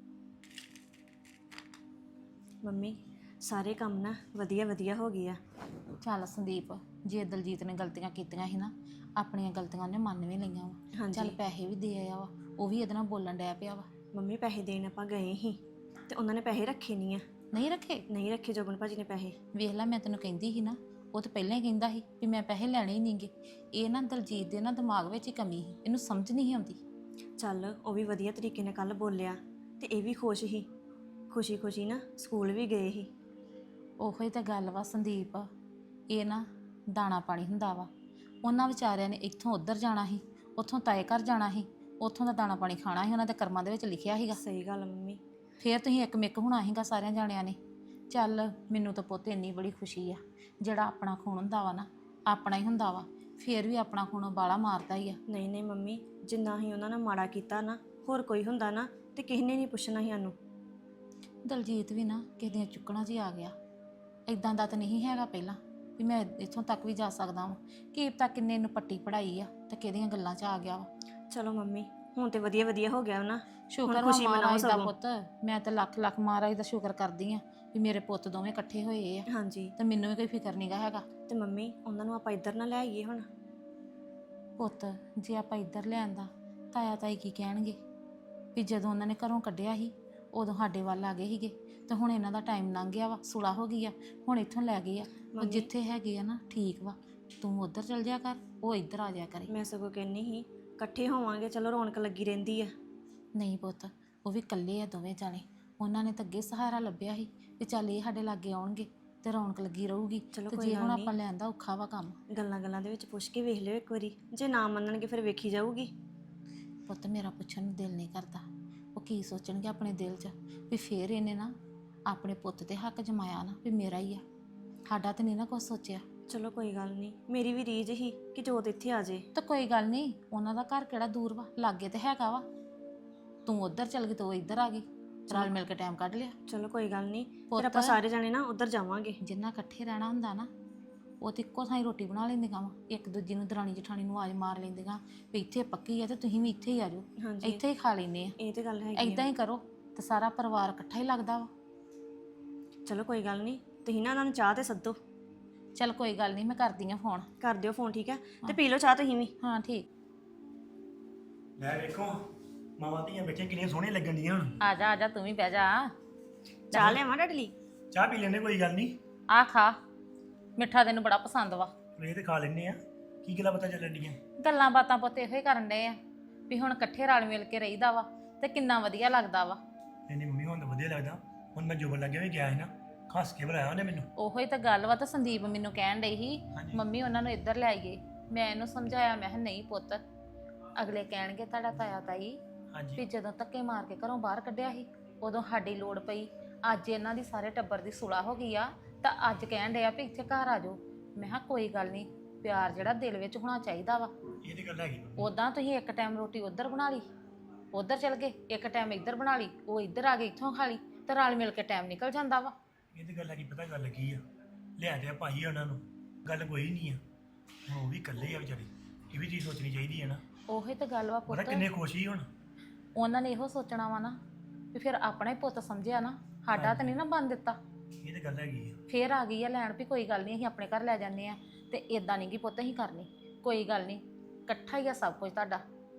ਮੰਮੀ ਸਾਰੇ ਕੰਮ ਨਾ ਵਧੀਆ ਵਧੀਆ ਹੋ ਗਏ ਆ।
ਚੱਲ ਸੰਦੀਪ, ਜੇ ਦਲਜੀਤ ਨੇ ਗਲਤੀਆਂ ਕੀਤੀਆਂ ਸੀ ਨਾ, ਆਪਣੀਆਂ ਗਲਤੀਆਂ ਉਹਨੇ ਮੰਨ ਵੀ ਲਈਆਂ ਵਾ।
ਹਾਂਜੀ।
ਚੱਲ ਪੈਸੇ ਵੀ ਦੇ ਆਇਆ ਵਾ, ਉਹ ਵੀ ਇਹਦੇ ਨਾਲ ਬੋਲਣ ਡਿਆ ਪਿਆ ਵਾ।
ਮੰਮੀ ਪੈਸੇ ਦੇਣ ਆਪਾਂ ਗਏ ਸੀ ਤੇ ਉਹਨਾਂ ਨੇ ਪੈਸੇ ਰੱਖੇ ਨਹੀਂ ਆ।
ਨਹੀਂ ਰੱਖੇ?
ਨਹੀਂ ਰੱਖੇ ਜੋਬਨ ਭਾਜੀ ਨੇ ਪੈਸੇ।
ਵੇਖ ਲੈ, ਮੈਂ ਤੈਨੂੰ ਕਹਿੰਦੀ ਸੀ ਨਾ, ਉਹ ਤਾਂ ਪਹਿਲਾਂ ਹੀ ਕਹਿੰਦਾ ਸੀ ਵੀ ਮੈਂ ਪੈਸੇ ਲੈਣੇ ਹੀ ਨਹੀਂਗੇ। ਇਹ ਨਾ ਦਲਜੀਤ ਦੇ ਨਾ ਦਿਮਾਗ ਵਿੱਚ ਹੀ ਕਮੀ ਸੀ, ਇਹਨੂੰ ਸਮਝ ਨਹੀਂ ਆਉਂਦੀ।
ਚੱਲ ਉਹ ਵੀ ਵਧੀਆ ਤਰੀਕੇ ਨਾਲ ਕੱਲ ਬੋਲਿਆ ਤੇ ਇਹ ਵੀ ਖੁਸ਼ ਸੀ, ਖੁਸ਼ੀ ਖੁਸ਼ੀ ਨਾ ਸਕੂਲ ਵੀ ਗਏ ਸੀ।
ਉਹੋ ਹੀ ਤਾਂ ਗੱਲ ਵਾ ਸੰਦੀਪ, ਇਹ ਨਾ ਦਾਣਾ ਪਾਣੀ ਹੁੰਦਾ ਵਾ। ਉਹਨਾਂ ਵਿਚਾਰਿਆਂ ਨੇ ਇੱਥੋਂ ਉੱਧਰ ਜਾਣਾ ਸੀ, ਉੱਥੋਂ ਤਾਏ ਘਰ ਜਾਣਾ ਸੀ, ਉੱਥੋਂ ਦਾ ਦਾਣਾ ਪਾਣੀ ਖਾਣਾ ਸੀ, ਉਹਨਾਂ ਦੇ ਕਰਮਾਂ ਦੇ ਵਿੱਚ ਲਿਖਿਆ ਸੀਗਾ।
ਸਹੀ ਗੱਲ ਮੰਮੀ।
ਫੇਰ ਤੁਸੀਂ ਇੱਕ ਮਿੱਕ ਹੋਣਾ ਸੀਗਾ ਸਾਰਿਆਂ ਜਾਣਿਆਂ ਨੇ। ਚੱਲ ਮੈਨੂੰ ਤਾਂ ਪੁੱਤ ਇੰਨੀ ਬੜੀ ਖੁਸ਼ੀ ਆ, ਜਿਹੜਾ ਆਪਣਾ ਖੂਨ ਹੁੰਦਾ ਵਾ ਨਾ ਆਪਣਾ ਹੀ ਹੁੰਦਾ ਵਾ, ਫੇਰ ਵੀ ਆਪਣਾ ਖੂਨ ਬਾਲਾ ਮਾਰਦਾ ਹੀ ਆ।
ਨਹੀਂ ਨਹੀਂ ਮੰਮੀ, ਜਿੰਨਾ ਹੀ ਉਹਨਾਂ ਨੇ ਮਾੜਾ ਕੀਤਾ ਨਾ, ਹੋਰ ਕੋਈ ਹੁੰਦਾ ਨਾ ਤੇ ਕਿਸੇ ਨੇ ਨਹੀਂ ਪੁੱਛਣਾ ਸੀ ਸਾਨੂੰ।
ਦਲਜੀਤ ਵੀ ਨਾ ਕਿਸੇ ਦੀਆਂ ਚੁੱਕਣਾ 'ਚ ਹੀ ਆ ਗਿਆ। ਇਦਾਂ ਦਾ ਤਾਂ ਨਹੀਂ ਹੈਗਾ ਪਹਿਲਾਂ ਵੀ ਮੈਂ ਇੱਥੋਂ ਤੱਕ ਵੀ ਜਾ ਸਕਦਾ ਵਾਂ। ਕੀ ਪਤਾ ਕਿੰਨੇ ਨੂੰ ਪੱਟੀ ਪੜਾਈ ਆ ਤੇ ਕਿਹਦੀਆਂ ਗੱਲਾਂ 'ਚ ਆ ਗਿਆ ਵਾ।
ਚਲੋ ਮੰਮੀ ਹੁਣ ਤੇ ਵਧੀਆ ਵਧੀਆ ਹੋ ਗਿਆ ਨਾ।
ਸ਼ੁਕਰ ਵਾ ਮਹਾਰਾਜ ਦਾ ਪੁੱਤ, ਮੈਂ ਤਾਂ ਲੱਖ ਲੱਖ ਮਹਾਰਾਜ ਦਾ ਸ਼ੁਕਰ ਕਰਦੀ ਆ ਵੀ ਮੇਰੇ ਪੁੱਤ ਦੋਵੇਂ ਇਕੱਠੇ ਹੋਏ ਆ।
ਹਾਂਜੀ।
ਤੇ ਮੈਨੂੰ ਵੀ ਕੋਈ ਫਿਕਰ ਨਹੀਂਗਾ ਹੈਗਾ।
ਤੇ ਮੰਮੀ ਉਹਨਾਂ ਨੂੰ ਆਪਾਂ ਇੱਧਰ ਨਾ ਲੈ ਆਈਏ ਹੁਣ?
ਪੁੱਤ ਜੇ ਆਪਾਂ ਇੱਧਰ ਲਿਆਂਦਾ, ਤਾਇਆ ਤਾਈ ਕੀ ਕਹਿਣਗੇ ਵੀ ਜਦੋਂ ਉਹਨਾਂ ਨੇ ਘਰੋਂ ਕੱਢਿਆ ਸੀ ਉਦੋਂ ਸਾਡੇ ਵੱਲ ਆ ਗਏ ਸੀਗੇ, ਤੇ ਹੁਣ ਇਹਨਾਂ ਦਾ ਟਾਈਮ ਲੰਘ ਗਿਆ ਵਾ, ਸੁਲਾ ਹੋ ਗਈ ਆ, ਹੁਣ ਇੱਥੋਂ ਲੈ ਗਏ ਆ। ਉਹ ਜਿੱਥੇ ਹੈਗੇ ਆ ਨਾ ਠੀਕ ਵਾ, ਤੂੰ ਉੱਧਰ ਚਲ ਜਾ ਕਰ, ਉਹ ਇੱਧਰ ਆ ਜਾ ਕਰੇ।
ਮੈਂ ਸਗੋਂ ਕਹਿੰਨੀ ਸੀ ਇਕੱਠੇ ਹੋਵਾਂਗੇ, ਚਲੋ ਰੌਣਕ ਲੱਗੀ ਰਹਿੰਦੀ ਆ।
ਨਹੀਂ ਪੁੱਤ, ਉਹ ਵੀ ਇਕੱਲੇ ਆ ਦੋਵੇਂ ਜਾਣੇ, ਉਹਨਾਂ ਨੇ ਤਾਂ ਅੱਗੇ ਸਹਾਰਾ ਲੱਭਿਆ ਸੀ ਵੀ ਚੱਲ ਇਹ ਸਾਡੇ ਲਾਗੇ ਆਉਣਗੇ ਤੇ ਰੌਣਕ ਲੱਗੀ ਰਹੂਗੀ।
ਚਲੋ
ਤੇ
ਕੋਈ
ਜੇ
ਗੱਲ
ਹੁਣ
ਨਹੀਂ।
ਆਪਾਂ ਲੈਂਦਾ ਔਖਾ ਵਾ ਕੰਮ।
ਗੱਲਾਂ ਗੱਲਾਂ ਦੇ ਵਿੱਚ ਪੁੱਛ ਕੇ ਵੇਖ ਲਿਓ ਇੱਕ ਵਾਰੀ, ਜੇ ਨਾ ਮੰਨਣਗੇ ਫਿਰ ਵੇਖੀ ਜਾਊਗੀ।
ਪੁੱਤ ਮੇਰਾ ਪੁੱਛਣ ਨੂੰ ਦਿਲ ਨਹੀਂ ਕਰਦਾ, ਉਹ ਕੀ ਸੋਚਣਗੇ ਆਪਣੇ ਦਿਲ 'ਚ ਵੀ ਫੇਰ ਇਹਨੇ ਨਾ ਆਪਣੇ ਪੁੱਤ ਤੇ ਹੱਕ ਜਮਾਇਆ ਨਾ ਵੀ ਮੇਰਾ ਹੀ ਆ, ਸਾਡਾ ਤਾਂ ਨਹੀਂ ਨਾ ਕੁਛ ਸੋਚਿਆ।
ਚਲੋ ਕੋਈ ਗੱਲ ਨਹੀਂ, ਮੇਰੀ ਵੀ ਰੀਝ ਹੀ ਕਿ ਜੋਤ ਇੱਥੇ ਆ ਜੇ।
ਤਾਂ ਕੋਈ ਗੱਲ ਨਹੀਂ, ਉਹਨਾਂ ਦਾ ਘਰ ਕਿਹੜਾ ਦੂਰ ਵਾ, ਲਾਗੇ ਤੇ ਹੈਗਾ ਵਾ। ਤੂੰ ਉੱਧਰ ਚਲ ਗਈ ਤੇ ਉਹ ਇੱਧਰ ਆ ਗਈ, ਰਲ ਮਿਲ ਕੇ ਟਾਈਮ ਕੱਢ ਲਿਆ।
ਚਲੋ ਕੋਈ ਗੱਲ ਨਹੀਂ,
ਪੁੱਤ।
ਫਿਰ ਆਪਾਂ ਸਾਰੇ ਜਾਣੇ ਨਾ ਉੱਧਰ ਜਾਵਾਂਗੇ।
ਜਿੰਨਾ ਇਕੱਠੇ ਰਹਿਣਾ ਹੁੰਦਾ ਨਾ ਉਹ ਤੇ ਇੱਕੋ ਥਾਂ ਹੀ ਰੋਟੀ ਬਣਾ ਲੈਂਦੀਆਂ ਵਾ, ਇੱਕ ਦੂਜੀ ਨੂੰ ਦਰਾਣੀ ਜਠਾਣੀ ਨੂੰ ਆਵਾਜ਼ ਮਾਰ ਲੈਂਦੀਆਂ ਵੀ ਇੱਥੇ ਪੱਕੀ ਆ ਤੇ ਤੁਸੀਂ ਵੀ ਇੱਥੇ ਹੀ ਆ ਜਾਓ,
ਹਾਂਜੀ
ਇੱਥੇ ਹੀ ਖਾ ਲੈਂਦੇ ਆ।
ਇਹ ਤੇ ਗੱਲ ਹੈਗੀ
ਏਦਾਂ ਹੀ ਕਰੋ ਤੇ ਸਾਰਾ ਪਰਿਵਾਰ ਇਕੱਠਾ ਹੀ ਲੱਗਦਾ ਵਾ।
ਚਲੋ ਕੋਈ ਗੱਲ ਨਹੀਂ, ਤੁਸੀਂ ਨਾ ਉਹਨਾਂ ਨੂੰ ਚਾਹ ਤੇ ਸੱਦੋ।
ਚੱਲ ਕੋਈ ਗੱਲ ਨਹੀਂ, ਮੈਂ ਕਰਦੀ ਆ ਫੋਨ।
ਕਰ ਦਿਓ ਫੋਨ, ਠੀਕ ਹੈ? ਤੇ ਪੀ ਲਓ ਚਾਹ ਤੁਸੀਂ ਵੀ।
ਹਾਂ ਠੀਕ।
ਲੈ ਵੇਖੋ ਮਾਵਾਂ ਧੀਆਂ ਬੈਠੇ ਕਿੰਨੀਆਂ ਸੋਹਣੀਆਂ ਲੱਗਣ ਡੀਆਂ ਹੁਣ।
ਆ ਜਾ ਆ ਜਾ, ਤੂੰ ਵੀ ਬਹਿ ਜਾ।
ਚਾਹ ਲਿਆਵਾਂ ਤੁਹਾਡੇ ਲਈ?
ਚਾਹ ਪੀ ਲੈਂਦੇ ਕੋਈ ਗੱਲ ਨਹੀਂ,
ਆ ਖਾ, ਮਿੱਠਾ ਤੈਨੂੰ ਬੜਾ ਪਸੰਦ ਵਾ।
ਇਹ ਤੇ ਖਾ ਲੈਂਦੇ ਆ। ਕੀ ਗੱਲਾਂ ਪਤਾ ਚੱਲਣ ਡੀਆਂ?
ਗੱਲਾਂ ਬਾਤਾਂ ਪੁੱਤ ਇਹੋ ਹੀ ਕਰਨ ਡਏ ਆ ਵੀ ਹੁਣ ਇਕੱਠੇ ਰਲ ਮਿਲ ਕੇ ਰਹੀਦਾ ਵਾ ਤੇ ਕਿੰਨਾ ਵਧੀਆ ਲੱਗਦਾ ਵਾ।
ਨਹੀਂ ਮੰਮੀ ਹੁਣ ਤਾਂ ਵਧੀਆ ਲੱਗਦਾ। ਹੁਣ ਮੈਂ ਜੋਬਨ ਲੱਗਿਆ ਵੀ ਗਿਆ ਸੀ ਨਾ, ਖਾਸ ਕੇ ਬੁਲਾਇਆ ਉਹਨੇ ਮੈਨੂੰ।
ਉਹੋ ਹੀ ਤਾਂ ਗੱਲ ਵਾ। ਤਾਂ ਸੰਦੀਪ ਮੈਨੂੰ ਕਹਿਣ ਡਈ ਸੀ
ਹਾਂਜੀ।
ਮੰਮੀ ਉਹਨਾਂ ਨੂੰ ਇੱਧਰ ਲੈ ਆਈਏ। ਮੈਂ ਇਹਨੂੰ ਸਮਝਾਇਆ, ਮੈਂ ਕਿਹਾ ਨਹੀਂ ਪੁੱਤ, ਅਗਲੇ ਕਹਿਣਗੇ ਤੁਹਾਡਾ ਤਾਇਆ ਤਾਈ ਵੀ
ਹਾਂਜੀ
ਜਦੋਂ ਧੱਕੇ ਮਾਰ ਕੇ ਘਰੋਂ ਬਾਹਰ ਕੱਢਿਆ ਸੀ ਉਦੋਂ ਸਾਡੀ ਲੋੜ ਪਈ, ਅੱਜ ਇਹਨਾਂ ਦੀ ਸਾਰੇ ਟੱਬਰ ਦੀ ਸੁਲਾ ਹੋ ਗਈ ਆ ਤਾਂ ਅੱਜ ਕਹਿਣ ਡਿਆ ਵੀ ਇੱਥੇ ਘਰ ਆ ਜਾਓ। ਮੈਂ ਕਿਹਾ ਕੋਈ ਗੱਲ ਨਹੀਂ, ਪਿਆਰ ਜਿਹੜਾ ਦਿਲ ਵਿੱਚ ਹੋਣਾ ਚਾਹੀਦਾ ਵਾ।
ਇਹ ਤੇ ਗੱਲ ਹੈਗੀ ਮੰਮੀ।
ਉਦਾਂ ਤੁਸੀਂ ਇੱਕ ਟਾਈਮ ਰੋਟੀ ਉੱਧਰ ਬਣਾ ਲਈ, ਉੱਧਰ ਚਲ ਗਏ, ਇੱਕ ਟਾਈਮ ਇੱਧਰ ਬਣਾ ਲਈ, ਉਹ ਇੱਧਰ ਆ ਗਏ, ਇੱਥੋਂ ਖਾ ਲਈ, ਤੇ ਰਲ ਮਿਲ ਕੇ ਟਾਈਮ ਨਿਕਲ ਜਾਂਦਾ ਵਾ।
ਇਹ ਤੇ ਗੱਲ ਹੈਗੀ। ਪਤਾ ਗੱਲ ਕੀ ਆ, ਲਿਆ ਦਿਆ ਭਾਈ ਉਹਨਾਂ ਨੂੰ, ਗੱਲ ਕੋਈ ਨਹੀਂ ਆ। ਹੁਣ ਉਹ ਵੀ ਇਕੱਲੇ ਆ ਵਿਚਾਰੇ, ਇਹ ਵੀ ਚੀਜ਼ ਸੋਚਣੀ ਚਾਹੀਦੀ ਹੈ ਨਾ।
ਉਹੀ ਤਾਂ ਗੱਲ ਵਾ
ਪਤਾ
ਪੁੱਤ।
ਕਿੰਨੇ ਖੁਸ਼ ਹੀ ਹੁਣ।
ਉਹਨਾਂ ਨੇ ਇਹੋ ਸੋਚਣਾ ਵਾ ਨਾ ਵੀ ਫਿਰ ਆਪਣਾ ਹੀ ਪੁੱਤ ਸਮਝਿਆ ਨਾ, ਸਾਡਾ ਤਾਂ ਨਹੀਂ ਨਾ ਬਣ ਦਿੱਤਾ।
ਇਹ ਤੇ ਗੱਲ ਹੈਗੀ ਆ।
ਫੇਰ ਆ ਗਈ ਆ ਲੈਣ ਵੀ ਕੋਈ ਗੱਲ ਨਹੀਂ, ਅਸੀਂ ਆਪਣੇ ਘਰ ਲੈ ਜਾਂਦੇ ਆ। ਤੇ ਇਦਾਂ ਨਹੀਂ ਗੀ ਪੁੱਤ ਅਸੀਂ ਕਰਨੀ, ਕੋਈ ਗੱਲ ਨਹੀਂ, ਇਕੱਠਾ ਹੀ ਆ ਸਭ ਕੁਝ ਤੁਹਾਡਾ।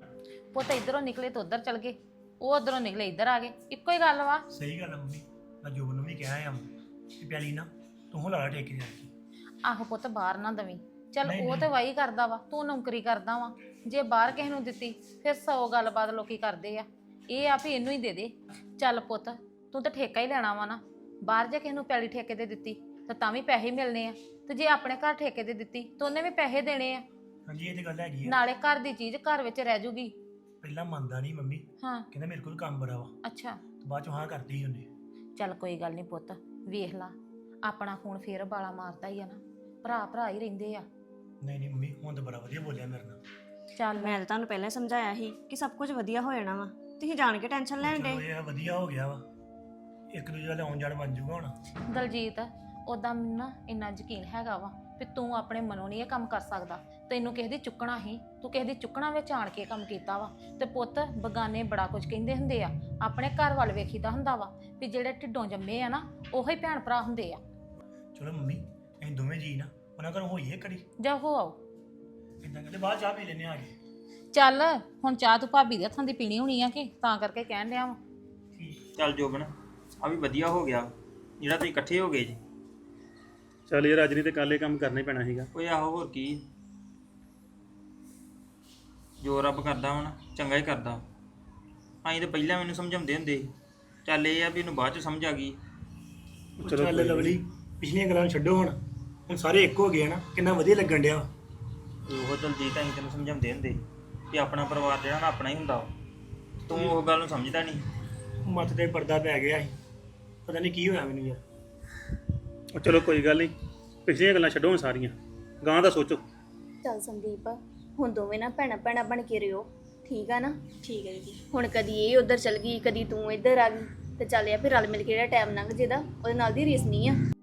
ਪੁੱਤ ਇਧਰੋਂ ਨਿਕਲੇ ਤਾਂ ਉਧਰ ਚਲ ਗਏ, ਉਹ ਉਧਰੋਂ ਨਿਕਲੇ ਇੱਧਰ ਆ ਗਏ, ਇੱਕੋ ਹੀ ਗੱਲ ਵਾ।
ਸਹੀ ਗੱਲ ਆ ਮੰਮੀ। ਮੈਂ ਜੋਬਨ ਨੂੰ ਵੀ ਕਿਹਾ ਆ ਕਿ ਪਿਆਲੀ ਨਾ ਤੂੰ ਲਾ ਠੇਕੇ ਜਾ ਕੇ।
ਆਹੋ ਪੁੱਤ ਬਾਹਰ ਨਾ ਦਵੀਂ, ਚੱਲ
ਨਹੀਂ,
ਉਹ
ਨਹੀਂ।
ਤੇ ਵਾਹੀ ਕਰਦਾ ਵਾ, ਤੂੰ ਨੌਕਰੀ ਕਰਦਾ ਵਾ। ਜੇ ਬਾਹਰ ਕਿਸੇ ਨੂੰ ਦਿੱਤੀ ਫਿਰ 100 ਗੱਲਬਾਤ ਲੋਕੀ ਕਰਦੇ ਆ। ਇਹ ਆ ਵੀ ਇਹਨੂੰ ਹੀ ਦੇ ਦੇ। ਚੱਲ ਪੁੱਤ ਤੂੰ ਤਾਂ ਠੇਕਾ ਹੀ ਲੈਣਾ ਵਾ ਨਾ, ਬਾਹਰ ਜੇ ਕਿਸੇ ਨੂੰ ਪੈਲੀ ਠੇਕੇ ਤੇ ਦਿੱਤੀ ਤਾਂ ਤਾਂ ਵੀ ਪੈਸੇ ਮਿਲਣੇ ਆ, ਤੇ ਜੇ ਆਪਣੇ ਘਰ ਠੇਕੇ ਤੇ ਦਿੱਤੀ ਤਾਂ ਉਹਨੇ ਵੀ ਪੈਸੇ ਦੇਣੇ ਆ।
ਹਾਂਜੀ ਇਹ ਤੇ ਗੱਲ ਹੈਗੀ ਆ।
ਨਾਲੇ ਘਰ ਦੀ ਚੀਜ਼ ਘਰ ਵਿੱਚ ਰਹਿ ਜੂਗੀ।
ਪਹਿਲਾਂ ਮੰਨਦਾ ਨਹੀਂ ਮੰਮੀ,
ਹਾਂ
ਕਹਿੰਦਾ ਮੇਰੇ ਕੋਲ ਕੰਮ ਬੜਾ ਵਾ,
ਅੱਛਾ,
ਤੇ ਬਾਅਦ ਚੋਂ ਹਾਂ ਕਰਦੀ ਸੀ ਉਹਨੇ।
ਚੱਲ ਕੋਈ ਗੱਲ ਨਹੀਂ ਪੁੱਤ, ਵੇਖ ਲਾ ਆਪਣਾ ਖੂਨ ਫੇਰ ਬਾਲਾ ਮਾਰਦਾ ਹੀ ਆ ਨਾ, ਭਰਾ ਭਰਾ ਹੀ ਰਹਿੰਦੇ ਆ।
ਨਹੀਂ ਨਹੀਂ ਮੰਮੀ, ਹੁਣ ਤਾਂ ਬੜਾ ਵਧੀਆ ਬੋਲਿਆ ਮੇਰੇ ਨਾਲ।
ਚੱਲ
ਮੈਂ ਤਾਂ ਤੁਹਾਨੂੰ ਪਹਿਲਾਂ ਹੀ ਸਮਝਾਇਆ ਸੀ ਕਿ ਸਭ ਕੁਝ ਵਧੀਆ ਹੋ ਜਾਣਾ ਵਾ, ਤੁਸੀਂ ਜਾਣ ਕੇ ਟੈਨਸ਼ਨ ਲੈਣ
ਚਲੋ
ਡੇ।
ਇਹ ਵਧੀਆ ਹੋ ਗਿਆ ਵਾ, ਇੱਕ ਦੂਜੇ ਦਾ ਆਉਣ ਜਾਣ ਬਣ ਜੂਗਾ ਹੁਣ।
ਦਲਜੀਤ, ਉਦਾਂ ਮੈਨੂੰ ਨਾ ਇੰਨਾ ਯਕੀਨ ਹੈਗਾ ਵਾ ਵੀ ਤੂੰ ਆਪਣੇ ਮਨੋਂ ਨਹੀਂ ਇਹ ਕੰਮ ਕਰ ਸਕਦਾ। ਤੈਨੂੰ ਕਿਸੇ ਦੀ ਚੁੱਕਣਾ ਹੀ, ਤੂੰ ਕਿਸੇ ਦੀ ਚੁੱਕਣਾ ਵਿੱਚ ਆਣ ਕੇ ਕੰਮ ਕੀਤਾ ਵਾ। ਤੇ ਪੁੱਤ ਬਗਾਨੇ ਬੜਾ ਕੁਝ ਕਹਿੰਦੇ ਹੁੰਦੇ ਆ, ਆਪਣੇ ਘਰ ਵੱਲ ਵੇਖੀਦਾ ਹੁੰਦਾ ਵਾ ਵੀ ਜਿਹੜੇ ਢਿੱਡੋਂ ਜੰਮੇ ਆ ਨਾ ਉਹੀ ਭੈਣ ਭਰਾ ਹੁੰਦੇ ਆ।
ਚਲੋ ਮੰਮੀ ਅਸੀਂ ਦੋਵੇਂ ਜੀ ਨਾ ਉਹਨਾਂ ਘਰੋਂ ਹੋਈਏ ਕੜੀ,
ਜਾ ਹੋ ਆਓ।
ਇਦਾਂ ਕਹਿੰਦੇ ਬਾਅਦ ਚਾਹ ਪੀ ਲੈਨੇ ਆ ਕੇ।
ਚੱਲ ਹੁਣ ਚਾਹ ਤੂੰ ਭਾਬੀ ਦੇ ਹੱਥਾਂ ਦੀ ਪੀਣੀ ਹੋਣੀ ਆ ਕਿ ਤਾਂ ਕਰਕੇ ਕਹਿਣ ਡਿਆ ਵਾ।
ਚੱਲ ਜੋਬਨ, ਆ ਵੀ ਵਧੀਆ ਹੋ ਗਿਆ ਜਿਹੜਾ ਤੁਸੀਂ ਇਕੱਠੇ ਹੋ ਗਏ ਜੀ।
ਚੱਲ ਯਾਰ ਅੱਜ ਨਹੀਂ ਤੇ ਕੱਲ ਇਹ ਕੰਮ ਕਰਨਾ ਹੀ ਪੈਣਾ ਸੀਗਾ।
ਓਏ ਆਹੋ ਹੋਰ ਕੀ, ਜੋ ਰੱਬ ਕਰਦਾ ਹੁਣ ਚੰਗਾ ਹੀ ਕਰਦਾ। ਅਸੀਂ ਤਾਂ ਪਹਿਲਾਂ ਮੈਨੂੰ ਸਮਝਾਉਂਦੇ ਹੁੰਦੇ ਸੀ, ਚੱਲ ਇਹ ਆ ਵੀ ਇਹਨੂੰ ਬਾਅਦ ਚ ਸਮਝ ਆ ਗਈ।
ਚਲੋ ਚੱਲ ਲਵਲੀ, ਪਿਛਲੀਆਂ ਗੱਲਾਂ ਨੂੰ ਛੱਡੋ ਹੁਣ, ਹੁਣ ਸਾਰੇ ਇੱਕ ਹੋ ਗਏ ਨਾ, ਕਿੰਨਾ ਵਧੀਆ ਲੱਗਣ ਡਿਆ।
ਉਹ ਦਲਜੀਤ ਅਸੀਂ ਤੈਨੂੰ ਸਮਝਾਉਂਦੇ ਹੁੰਦੇ ਕਿ ਆਪਣਾ ਪਰਿਵਾਰ ਜਿਹੜਾ ਨਾ ਆਪਣਾ ਹੀ ਹੁੰਦਾ ਵਾ। ਤੂੰ ਉਹ ਗੱਲ ਨੂੰ ਸਮਝਦਾ ਨਹੀਂ।
ਮੱਤ ਤੇ ਪਰਦਾ ਪੈ ਗਿਆ ਸੀ, ਪਤਾ ਨਹੀਂ ਕੀ ਹੋਇਆ ਮੈਨੂੰ ਯਾਰ।
ਉਹ ਚਲੋ ਕੋਈ ਗੱਲ ਨਹੀਂ, ਪਿਛਲੀਆਂ ਗੱਲਾਂ ਛੱਡੋ ਹੁਣ ਸਾਰੀਆਂ, ਗਾਂ ਦਾ ਸੋਚੋ।
ਚੱਲ ਸੰਦੀਪ, ਹੁਣ ਦੋਵੇਂ ਨਾ ਭੈਣਾਂ ਭੈਣਾਂ ਬਣ ਕੇ ਰਿਓ, ਠੀਕ ਆ ਨਾ?
ਠੀਕ ਹੈ ਜੀ।
ਹੁਣ ਕਦੀ ਇਹ ਉਧਰ ਚਲ ਗਈ, ਕਦੀ ਤੂੰ ਇੱਧਰ ਆ ਗਈ, ਤੇ ਚੱਲ ਆ ਫਿਰ ਰਲ ਮਿਲ ਕੇ ਜਿਹੜਾ ਟਾਈਮ ਲੰਘ ਜਿਹਦਾ ਉਹਦੇ ਨਾਲ ਦੀ ਰੀਸ ਨਹੀਂ ਆ।